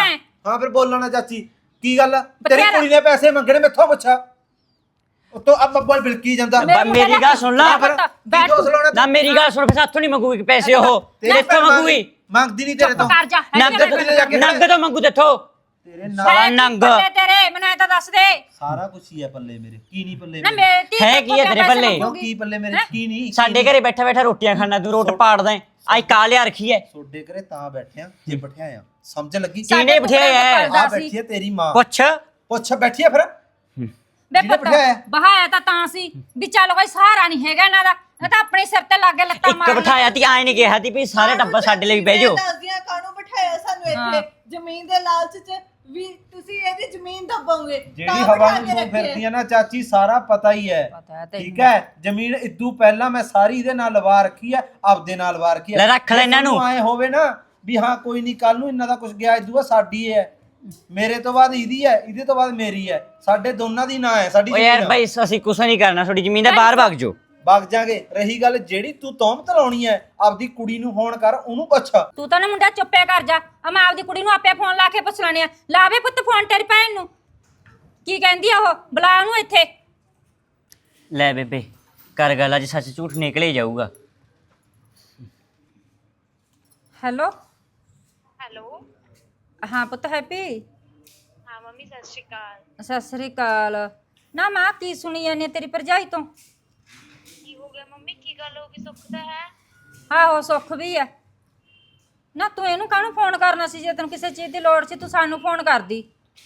S5: ਹਾਂ ਫਿਰ ਬੋਲਣਾ ਚਾਚੀ ਕੀ ਗੱਲ ਆ? ਤੇਰੀ
S3: ਬਥੇਰਾ।
S5: ਕੁੜੀ ਨੇ ਪੈਸੇ ਮੰਗਣੇ ਮੈਥੋਂ ਪੁੱਛਾ ਉਤੋਂ ਆ ਬੱਬਲ ਬਿਲਕੀ ਜਾਂਦਾ
S4: ਮੇਰੀ ਗੱਲ ਸੁਣ ਲਾ
S5: ਫਿਰ
S3: ਬੈਠ
S5: ਕੀ ਦੋਸ ਲਾਉਣਾ
S4: ਨਾ ਮੇਰੀ ਗੱਲ ਸੁਣ, ਫਿਰ ਸਾਥੋਂ ਨਹੀਂ ਮੰਗੂਗੀ ਪੈਸੇ ਉਹ,
S5: ਤੇਰੇ
S4: ਤੇਥੋਂ ਮੰਗੂਗੀ।
S5: ਮੰਗਦੀ ਨਹੀਂ ਤੇਰੇ ਤੋਂ
S3: ਕਰ ਜਾ
S4: ਨੰਗ ਨੰਗ ਤੋਂ ਮੰਗੂ ਤੇਥੋਂ,
S5: ਤੇਰੇ
S4: ਸਾਲਾ ਨੰਗ
S3: ਤੇਰੇ ਮੈਨੂੰ ਇਹ ਤਾਂ ਦੱਸ ਦੇ
S5: ਸਾਰਾ ਕੁਝ ਹੀ ਹੈ ਪੱਲੇ ਮੇਰੇ, ਕੀ ਨਹੀਂ ਪੱਲੇ
S3: ਨਾ
S5: ਮੇਰੇ?
S3: ਮੇਰੀ ਧੀ
S4: ਹੈ
S3: ਤੋਂ
S4: ਕੀ ਹੈ ਤੇਰੇ
S3: ਪੈਸੇ
S4: ਪੱਲੇ?
S5: ਕਿਉਂ
S3: ਮੰਗੂਗੀ।
S5: ਕੀ ਪੱਲੇ ਮੇਰੇ ਕੀ ਨਹੀਂ
S4: ਸਾਡੇ ਘਰੇ ਬੈਠਾ ਬੈਠਾ ਰੋਟੀਆਂ ਖਾਣਾ, ਤੂੰ ਰੋਟ ਪਾੜਦਾ ਏ। ਆਈ ਕਾ ਲਿਆ ਰੱਖੀ ਐ,
S5: ਸੋਡੇ ਘਰੇ ਤਾਂ ਬੈਠਿਆ ਜੇ ਬਿਠਿਆ ਆ, ਸਮਝ ਲੱਗੀ?
S4: ਕਿਹਨੇ ਬਿਠਾਇਆ ਐ?
S5: ਆ ਬੈਠੀ ਹੈ ਤੇਰੀ ਮਾਂ,
S4: ਪੁੱਛ।
S5: ਪੁੱਛ ਬੈਠੀ ਹੈ ਫਿਰ
S3: ਬੇ
S5: ਜਿਹਨੇ
S3: ਪੁੱਤ
S5: ਬਿਠਾਇਆ।
S3: ਬਹਾਇਆ ਤਾਂ ਸੀ ਵੀ ਚੱਲ ਕੋਈ ਸਹਾਰਾ ਨਹੀਂ ਹੈਗਾ ਇਹਨਾਂ ਦਾ, ਇਹ ਤਾਂ ਆਪਣੇ ਸਿਰ ਤੇ ਲੱਗੇ ਲੱਤਾਂ
S4: ਇੱਕ
S3: ਮਾਰ
S4: ਬਿਠਾਇਆ ਤੀ, ਆਏ ਨਹੀਂ ਕਿਹਾ ਤੀ ਵੀ ਸਾਰੇ ਟੱਬਰ ਸਾਡੇ ਲਈ ਬਹਿ ਜਾਓ।
S1: ਦੱਸਦੀਆਂ ਕਾਹਨੂੰ ਬਿਠਾਇਆ ਸਾਨੂੰ ਇੱਥੇ ਜ਼ਮੀਨ ਦੇ ਲਾਲਚ 'ਚ ਵੀ ਤੁਸੀਂ ਇਹਦੀ ਜ਼ਮੀਨ ਦੱਬੋਗੇ
S5: ਜਿਹੜੀ ਹਵਾ ਨੂੰ ਤੂੰ ਫਿਰਦੀ ਆ ਨਾ ਚਾਚੀ, ਸਾਰਾ ਪਤਾ ਹੀ ਹੈ।
S3: ਪਤਾ ਹੈ ਤੈਨੂੰ।
S5: ਠੀਕ ਹੈ, ਜ਼ਮੀਨ ਇਦੋਂ ਪਹਿਲਾਂ ਮੈਂ ਸਾਰੀ ਇਹਦੇ ਨਾਲ ਲਵਾ ਰੱਖੀ ਹੈ, ਆਪਦੇ ਨਾਲ ਲਵਾ ਰੱਖੀ ਹੈ।
S4: ਲੈ ਰੱਖ ਲੈ ਇਹਨਾਂ ਨੂੰ।
S5: ਆਏ ਹੋਵੇ ਨਾ ਵੀ ਹਾਂ ਕੋਈ ਨਹੀਂ, ਕੱਲ ਨੂੰ ਇਹਨਾਂ ਦਾ ਕੁਝ ਗਿਆ, ਇਦੋਂ ਸਾਡੀ ਹੈ, ਮੇਰੇ ਤੋਂ ਬਾਅਦ ਇਹਦੀ ਹੈ, ਇਹਦੇ ਤੋਂ ਬਾਅਦ ਮੇਰੀ ਹੈ, ਸਾਡੇ ਦੋਨਾਂ ਦੀ ਨਾਂ ਹੈ ਸਾਡੀ
S4: ਓ ਯਾਰ
S5: ਜ਼ਮੀਨ।
S4: ਬਈ ਅਸੀਂ ਕੁਛ ਨਹੀਂ ਕਰਨਾ, ਤੁਹਾਡੀ ਜ਼ਮੀਨ ਦਾ ਬਾਹਰ ਭੱਗ ਜਾਓ।
S5: ਵਗ ਜਾਗੇ। ਰਹੀ ਗੱਲ ਜਿਹੜੀ ਤੂੰ ਤੌਮਤ ਲਾਉਣੀ ਹੈ, ਆਪਦੀ ਕੁੜੀ ਨੂੰ ਫੋਨ ਕਰ, ਉਹਨੂੰ ਪੁੱਛ।
S3: ਤੂੰ ਤਾਂ ਨਾ ਮੁੰਡਾ ਚੁੱਪੇ ਕਰ ਜਾ, ਆ ਮੈਂ ਆਪਦੀ ਕੁੜੀ ਨੂੰ ਆਪੇ ਫੋਨ ਲਾ ਕੇ ਪੁੱਛ ਲੈਣੀ ਆ। ਲਾਵੇ ਪੁੱਤ ਫੋਨ ਤੇਰੀ ਭੈਣ ਨੂੰ, ਕੀ ਕਹਿੰਦੀ ਆ ਉਹ, ਬੁਲਾ ਉਹਨੂੰ ਇੱਥੇ।
S4: ਲੈ ਬੇਬੇ ਕਰ ਗੱਲ, ਅੱਜ ਸੱਚ ਝੂਠ ਨਿਕਲੇ ਜਾਊਗਾ।
S3: Hello
S6: hello.
S3: ਹਾਂ ਪੁੱਤ ਹੈਪੀ,
S6: ਹਾਂ ਮੰਮੀ ਸਤਿ ਸ਼੍ਰੀ ਅਕਾਲ।
S3: ਸਤਿ ਸ੍ਰੀ ਅਕਾਲ। ਨਾ ਮਾਂ ਕੀ ਸੁਣੀ ਜਾਂਦੀ ਤੇਰੀ ਭਰਜਾਈ ਤੋਂ?
S6: ਕੀ ਹੋ ਗਿਆ ਮੰਮੀ, ਕੀ ਗੱਲ ਹੋ ਗਈ? ਸੁੱਖ ਤਾਂ ਹੈ?
S3: ਆਹੋ ਸੁੱਖ ਵੀ ਆ। ਨਾ ਤੂੰ ਇਹਨੂੰ ਕਾਹਨੂੰ ਫੋਨ ਕਰਨਾ ਸੀ? ਜੇ ਤੈਨੂੰ ਕਿਸੇ ਚੀਜ਼ ਦੀ ਲੋੜ ਸੀ ਤੂੰ ਸਾਨੂੰ ਫੋਨ ਕਰਦੀ।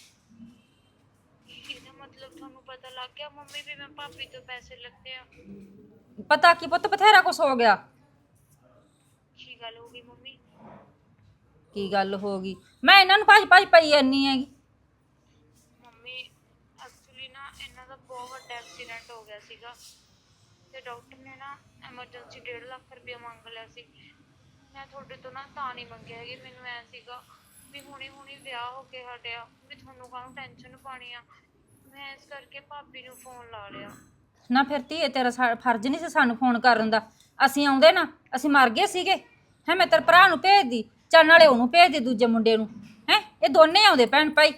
S6: ਇਹਦਾ ਮਤਲਬ ਤੁਹਾਨੂੰ ਪਤਾ ਲੱਗ ਗਿਆ ਮੰਮੀ ਵੀ ਮੈਂ ਭਾਬੀ ਤੋਂ ਪੈਸੇ ਲੱਤੇ ਆ?
S3: ਪਤਾ ਕੀ ਪੁੱਤ, ਬਥੇਰਾ ਕੁਛ ਹੋ ਗਿਆ।
S6: ਕੀ ਗੱਲ ਹੋ ਗਈ ਮੰਮੀ?
S3: ਕੀ ਗੱਲ ਹੋ ਗਈ? ਮੈਂ ਇਹਨਾਂ ਨੂੰ ਭੱਜ ਭੱਜ ਪਈ ਜਾਨੀ ਹੈਗੀ।
S6: ਮੰਮੀ ਐਕਚੁਅਲੀ ਨਾ ਇਹਨਾਂ ਦਾ ਬਹੁਤ ਵੱਡਾ ਐਕਸੀਡੈਂਟ ਹੋ ਗਿਆ ਸੀਗਾ ਤੇ ਡਾਕਟਰ ਨੇ ਨਾ ਐਮਰਜੈਂਸੀ 1.5 ਲੱਖ ਰੁਪਏ ਮੰਗ ਲਿਆ ਸੀ। ਮੈਂ ਤੁਹਾਡੇ ਤੋਂ ਨਾ ਤਾਂ ਨਹੀਂ ਮੰਗਿਆ ਹੈਗੀ, ਮੈਨੂੰ ਐ ਸੀਗਾ ਵੀ ਹੁਣੀ ਵਿਆਹ ਹੋ ਕੇ ਹਟਿਆ ਵੀ ਤੁਹਾਨੂੰ ਕਾਹਨੂੰ ਟੈਨਸ਼ਨ ਪਾਣੀ ਆ, ਮੈਂ ਇਸ ਕਰਕੇ ਭਾਬੀ ਨੂੰ ਫੋਨ ਲਾ ਲਿਆ।
S3: ਨਾ ਫਿਰ ਧੀਏ ਤੇਰਾ ਫਰਜ਼ ਨਹੀਂ ਸੀ ਸਾਨੂੰ ਫੋਨ ਕਰਨ ਦਾ। ਅਸੀਂ ਆਉਂਦੇ ਨਾ, ਅਸੀਂ ਮਰ ਗਏ ਸੀਗੇ ਹੈ? ਮੈਂ ਤੇਰੇ ਭਰਾ ਨੂੰ ਭੇਜਦੀ, ਚੱਲ ਨਾਲੇ ਉਹਨੂੰ ਭੇਜਦੀ ਦੂਜੇ ਮੁੰਡੇ ਨੂੰ, ਹੈ ਇਹ ਦੋਨੇ ਆਉਂਦੇ ਭੈਣ ਭਾਈ।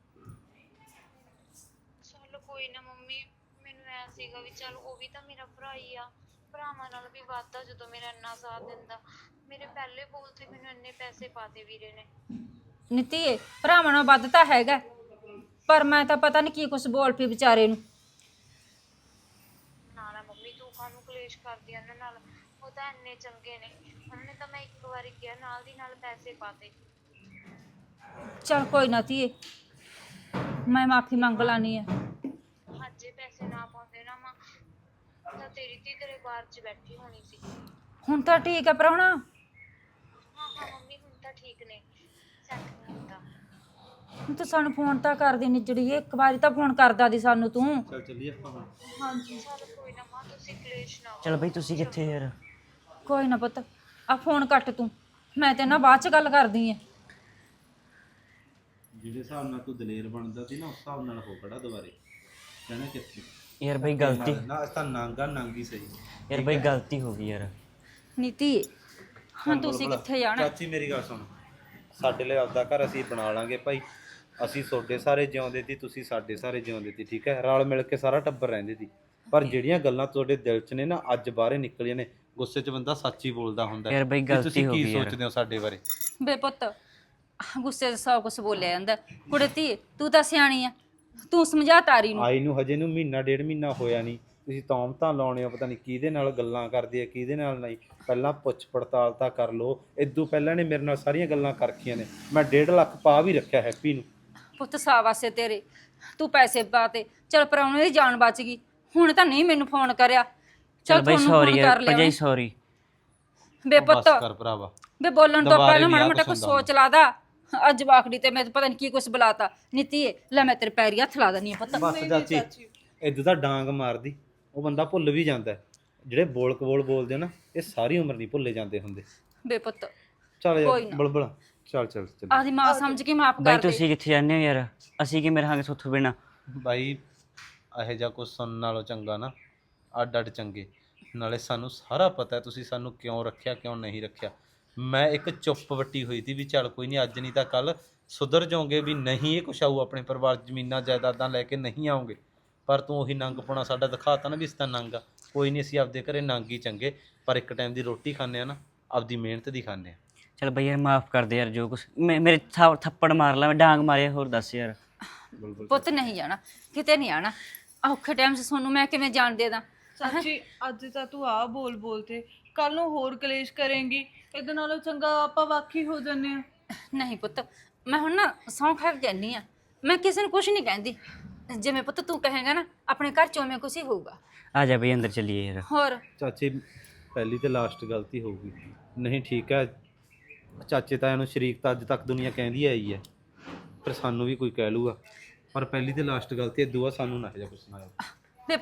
S6: ਚਲ ਕੋਈ ਨਾ ਮੰਮੀ, ਮੈਨੂੰ ਐ ਸੀਗਾ ਵੀ ਚਲ ਉਹ ਵੀ ਤਾਂ ਮੇਰਾ ਭਰਾ ਹੀ ਆ, ਭਰਾਵਾਂ ਨਾਲ ਵੀ ਵੱਧਦਾ ਜਦੋਂ ਮੇਰਾ ਇੰਨਾ ਸਾਥ ਦਿੰਦਾ। ਮੇਰੇ ਪਹਿਲੇ ਬੋਲ ਤੇ ਮੈਨੂੰ ਇੰਨੇ ਪੈਸੇ ਪਾਤੇ ਵੀਰੇ ਨੇ।
S3: ਨੀਤੀਏ ਭਰਾਵਾਂ ਨਾਲ ਵੱਧ ਤਾਂ ਹੈਗਾ, ਪਰ ਮੈਂ ਤਾਂ ਪਤਾ ਨਹੀਂ ਕੀ ਕੁਛ ਬੋਲ ਪਈ ਵਿਚਾਰੇ ਨੂੰ।
S6: ਨਾ ਮੰਮੀ ਤੂੰ ਕਾਹਨੂੰ ਕਲੇਸ਼ ਕਰਦੀ ਆ ਉਹਨਾਂ ਨਾਲ, ਉਹ ਤਾਂ ਇੰਨੇ ਚੰਗੇ ਨੇ, ਉਹਨਾਂ ਨੇ ਤਾਂ ਮੈਂ ਇੱਕ ਵਾਰੀ ਕਿਹਾ ਨਾਲ ਦੀ ਨਾਲ ਪੈਸੇ ਪਾਤੇ।
S3: ਚੱਲ ਕੋਈ ਨਾ ਧੀਏ, ਮੈਂ ਮਾਫੀ ਮੰਗ ਲਾਨੀ ਆ।
S6: ਜੇ ਪੈਸੇ ਨਾ ਪਾਉਂਦੇ ਨਾ ਮਾਂ ਤਾਂ ਤੇਰੀ ਧੀ ਤੇਰੇ ਬਾਹਰ 'ਚ ਬੈਠੀ ਹੋਣੀ ਸੀ।
S3: ਹੁਣ ਤਾਂ ਠੀਕ ਹੈ ਪ੍ਰਾਹੁਣਾ।
S6: ਹਾਂ ਮੰਮੀ ਹੁਣ ਤਾਂ ਠੀਕ ਨੇ, ਸੈੱਟ ਨਹੀਂ ਹੁੰਦਾ।
S3: ਹੁਣ ਤੂੰ ਸਾਨੂੰ ਫੋਨ ਤਾਂ ਕਰਦੀ ਨਿਜੜੀਏ, ਇੱਕ ਵਾਰੀ ਤਾਂ ਫੋਨ ਕਰਦਾ ਦੀ ਸਾਨੂੰ ਤੂੰ।
S5: ਚੱਲ ਚੱਲੀਏ ਆਪਾਂ ਹੁਣ।
S6: ਚਲ ਕੋਈ ਨਾ ਮਾਂ, ਤੁਸੀਂ ਕਲੇਸ਼ ਨਾ
S4: ਚਲ ਬਈ ਤੁਸੀਂ ਕਿੱਥੇ ਯਾਰ?
S3: ਕੋਈ ਨਾ ਪੁੱਤ, ਆ ਫੋਨ ਕੱਟ ਤੂੰ, ਮੈਂ ਤੇ ਨਾ ਬਾਅਦ ਚ ਗੱਲ ਕਰਦੀ ਆ।
S5: ਜਿਹੜੇ ਹਿਸਾਬ ਨਾਲ ਤੂੰ ਦਲੇਰ ਬਣਦਾ ਸੀ ਨਾ, ਉਸ ਹਿਸਾਬ ਨਾਲ ਹੋ ਖੜਾ ਦੁਬਾਰੇ ਕਹਿਣਾ ਕਿੱਥੇ
S4: ਯਾਰ ਬਈ ਗਲਤੀ,
S5: ਨਾ ਅਸ ਤਾਂ ਨਾਂਗਾ ਨਾਂਗੀ ਸਹੀ।
S4: ਯਾਰ ਬਈ ਗਲਤੀ ਹੋ ਗਈ ਯਾਰ।
S3: ਨੀਤੀ ਹੁਣ ਤੁਸੀਂ ਕਿੱਥੇ ਜਾਣਾ?
S5: ਚਾਚੀ ਮੇਰੀ ਗੱਲ ਸੁਣ, ਸਾਡੇ ਲਈ ਆਪਦਾ ਘਰ ਅਸੀਂ ਬਣਾ ਲਾਂਗੇ ਭਾਈ, ਅਸੀਂ ਤੁਹਾਡੇ ਸਾਰੇ ਜਿਉਂਦੇ ਸੀ, ਤੁਸੀਂ ਸਾਡੇ ਸਾਰੇ ਜਿਉਂਦੇ ਸੀ, ਠੀਕ ਹੈ, ਰਲ ਮਿਲ ਕੇ ਸਾਰਾ ਟੱਬਰ ਰਹਿੰਦੇ ਸੀ। ਪਰ ਜਿਹੜੀਆਂ ਗੱਲਾਂ ਤੁਹਾਡੇ ਦਿਲ 'ਚ ਨੇ ਨਾ ਅੱਜ ਬਾਹਰੇ ਨਿਕਲੀਆਂ ਨੇ, ਗੁੱਸੇ 'ਚ ਬੰਦਾ ਸੱਚ ਹੀ ਬੋਲਦਾ ਹੁੰਦਾ।
S4: ਯਾਰ ਬਈ
S5: ਵੀ
S4: ਗਲਤੀ
S5: ਤੁਸੀਂ
S4: ਹੋ
S5: ਕੀ
S4: ਗਈ ਯਾਰ।
S5: ਸੋਚਦੇ ਹੋ ਸਾਡੇ ਬਾਰੇ?
S3: ਬੇ ਪੁੱਤ ਗੁੱਸੇ 'ਚ ਸੌ ਕੁਛ ਬੋਲਿਆ ਜਾਂਦਾ। ਕੁੜੇ ਧੀ ਤੂੰ ਤਾਂ ਸਿਆਣੀ ਆ, ਤੂੰ ਸਮਝਾ ਤਾਰੀ ਨੂੰ।
S5: ਆਈ ਨੂੰ ਹਜੇ ਨੂੰ ਮਹੀਨਾ ਡੇਢ ਮਹੀਨਾ ਹੋਇਆ ਨਹੀਂ, ਤੁਸੀਂ ਤੌਮਤਾਂ ਲਾਉਣੇ ਹੋ, ਪਤਾ ਨਹੀਂ ਕਿਹਦੇ ਨਾਲ ਗੱਲਾਂ ਕਰਦੀ ਹੈ ਕਿਹਦੇ ਨਾਲ ਨਹੀਂ। ਪਹਿਲਾਂ ਪੁੱਛ ਪੜਤਾਲ ਤਾਂ ਕਰ ਲਓ। ਇਦੋਂ ਪਹਿਲਾਂ ਨੇ ਮੇਰੇ ਨਾਲ ਸਾਰੀਆਂ ਗੱਲਾਂ ਕਰ ਰੱਖੀਆਂ ਨੇ, ਮੈਂ 1.5 ਲੱਖ ਪਾ ਵੀ ਰੱਖਿਆ ਹੈਪੀ ਨੂੰ।
S3: ਪੁੱਤ ਸਾਵਾਸੇ ਤੇਰੇ, ਤੂੰ ਪੈਸੇ ਪਾਤੇ, ਚਲ ਪ੍ਰਾਹੁਣੇ ਦੀ ਜਾਨ ਬਚ ਗਈ। ਹੁਣ ਤਾਂ ਨਹੀਂ ਮੈਨੂੰ ਫੋਨ ਕਰਿਆ,
S4: ਚਲ
S3: ਚਲ
S4: ਬਈ
S3: ਤੁਹਾਨੂੰ
S4: ਸੌਰੀ
S3: ਫੋਨ
S4: ਯਾਰ
S3: ਕਰ ਲਿਆ
S4: ਭਰਜਾਈ,
S3: ਉਹਨੇ।
S4: ਸੌਰੀ।
S3: ਬੇ
S5: ਬਸ
S3: ਪੁੱਤ
S5: ਕਰ ਭਰਾਵਾ,
S3: ਬੇ ਬੋਲਣ ਤੋਂ
S5: ਦੁਬਾਰੇ
S3: ਪਹਿਲਾਂ
S5: ਨੀ
S3: ਮਾੜਾ
S5: ਆਹ
S3: ਮੋਟਾ
S5: ਕੁਛ
S3: ਕੁਛ
S5: ਹੁੰਦਾ
S3: ਸੋਚ ਲਾਦਾ। ਅੱਜ ਵਾਕੜੀ ਤੇ ਮੈਂ ਪਤਾ ਨਹੀਂ ਕੀ ਕੁਛ ਬੁਲਾਤਾ। ਨੀਤੀ ਲੈ ਮੈਂ ਤੇਰੇ ਪੈਰੀ ਹੱਥ ਲਾ ਦਨੀ ਆ ਪੁੱਤ।
S5: ਬਸ ਚਾਚੀ ਇਦੋਂ ਤਾਂ ਡਾਂਗ ਮਾਰਦੀ, ਉਹ ਬੰਦਾ ਭੁੱਲ ਵੀ ਜਾਂਦਾ ਹੈ। ਜਿਹੜੇ ਬੋਲ ਕਬੋਲ ਬੋਲਦੇ ਆ ਨਾ, ਇਹ ਸਾਰੀ ਉਮਰ ਨਹੀਂ ਭੁੱਲੇ ਜਾਂਦੇ ਹੁੰਦੇ।
S3: ਬੇ ਪੁੱਤ
S5: ਚੱਲ
S3: ਕੋਈ
S5: ਯਾਰ
S3: ਨਾ।
S5: ਬਲਬਲ, ਚੱਲ ਚੱਲ ਚੱਲ
S3: ਆਦੀ ਮਾਂ ਸਮਝ ਕੇ ਮਾਫ
S4: ਬਈ
S3: ਕਰ ਦੇ।
S4: ਤੁਸੀਂ ਕਿੱਥੇ ਜਾਂਦੇ ਹੋ ਯਾਰ? ਅਸੀਂ ਕੀ ਮੇਰੇ ਹਾਂਗੇ ਸੁੱਥ ਬਿਨਾ?
S5: ਬਾਈ ਇਹੋ ਜਿਹਾ ਕੁਝ ਸੁਣਨ ਨਾਲੋਂ ਚੰਗਾ ਨਾ ਅੱਡ ਅੱਡ ਚੰਗੇ। ਨਾਲੇ ਸਾਨੂੰ ਸਾਰਾ ਪਤਾ ਤੁਸੀਂ ਸਾਨੂੰ ਕਿਉਂ ਰੱਖਿਆ ਕਿਉਂ ਨਹੀਂ ਰੱਖਿਆ। ਮੈਂ ਇੱਕ ਚੁੱਪ ਵੱਟੀ ਹੋਈ ਸੀ ਵੀ ਚੱਲ ਕੋਈ ਨਹੀਂ, ਅੱਜ ਨਹੀਂ ਤਾਂ ਕੱਲ ਸੁਧਰ ਜਾਓਗੇ ਵੀ ਨਹੀਂ ਇਹ ਕੁਛ ਆਊ ਆਪਣੇ ਪਰਿਵਾਰ 'ਚ, ਜ਼ਮੀਨਾਂ ਜਾਇਦਾਦਾਂ ਲੈ ਕੇ ਨਹੀਂ ਆਓਗੇ। ਪਰ ਤੂੰ ਉਹੀ ਨੰਗ ਪਾਉਣਾ ਸਾਡਾ ਦਿਖਾਤਾ ਨਾ ਵੀ ਇਸ ਤਾਂ ਨੰਗ ਆ। ਕੋਈ ਨਹੀਂ, ਅਸੀਂ ਆਪਦੇ ਘਰੇ ਨੰਗ ਹੀ ਚੰਗੇ, ਪਰ ਇੱਕ ਟਾਈਮ ਦੀ ਰੋਟੀ ਖਾਂਦੇ ਆ ਨਾ, ਆਪਦੀ ਮਿਹਨਤ ਦੀ ਖਾਂਦੇ ਆ।
S4: ਚਲ ਬਈ ਯਾਰ ਮਾਫ ਕਰ ਦੇ ਯਾਰ, ਜੋ ਕੁਛ ਮੇਰੇ ਥੱਪੜ ਮਾਰ ਲਾ, ਮੈਂ ਡਾਂਗ ਮਾਰਿਆ, ਹੋਰ ਦੱਸ ਯਾਰ।
S3: ਪੁੱਤ ਨਹੀਂ ਜਾਣਾ, ਕਿਤੇ ਨਹੀਂ ਆਣਾ। ਔਖੇ ਟਾਈਮ 'ਚ ਤੁਹਾਨੂੰ ਮੈਂ ਕਿਵੇਂ ਜਾਣ ਦੇ ਦਾਂ?
S1: ਚਾਚੀ ਅੱਜ ਤਾਂ ਤੂੰ ਆ ਬੋਲ ਤੇ ਕੱਲ ਨੂੰ ਹੋਰ ਕਲੇਸ਼ ਕਰੇਂਗੀ। ਇਹਦੇ ਨਾਲੋਂ ਚੰਗਾ ਆਪਾਂ ਵਾਕੀ ਹੋ ਜੰਨੇ ਆ।
S3: ਨਹੀਂ ਪੁੱਤ, ਮੈਂ ਹੁਣ ਨਾ ਸਹੁੰ ਖਾ ਕੇ ਕਹਿੰਦੀ ਆ, ਮੈਂ ਕਿਸੇ ਨੂੰ ਕੁਝ ਨਹੀਂ ਕਹਿੰਦੀ। ਜਿਵੇਂ ਪੁੱਤ ਤੂੰ ਕਹੇਗਾ ਨਾ, ਆਪਣੇ ਘਰ 'ਚ ਉਵੇਂ ਕੁਛ ਹੀ ਹੋਊਗਾ।
S4: ਆ ਜਾ ਬਈ ਅੰਦਰ ਚੱਲੀਏ ਯਾਰ।
S3: ਹੋਰ
S5: ਚਾਚੇ ਪਹਿਲੀ ਤੇ ਲਾਸਟ ਗਲਤੀ ਹੋਊਗੀ। ਨਹੀਂ ਠੀਕ ਹੈ, ਚਾਚੇ ਤਾਇਆਂ ਨੂੰ ਸ਼ਰੀਕ ਤਾਂ ਅੱਜ ਤੱਕ ਦੁਨੀਆ ਕਹਿੰਦੀ ਆਈ ਹੈ, ਪਰ ਸਾਨੂੰ ਵੀ ਕੋਈ ਕਹਿ ਲੂਗਾ। ਪਰ ਪਹਿਲੀ ਤੇ ਲਾਸਟ ਗਲਤੀ ਹੈ, ਦੂਆ ਸਾਨੂੰ ਨਾ ਇਹੋ ਜਿਹਾ ਕੁਛ ਨਾ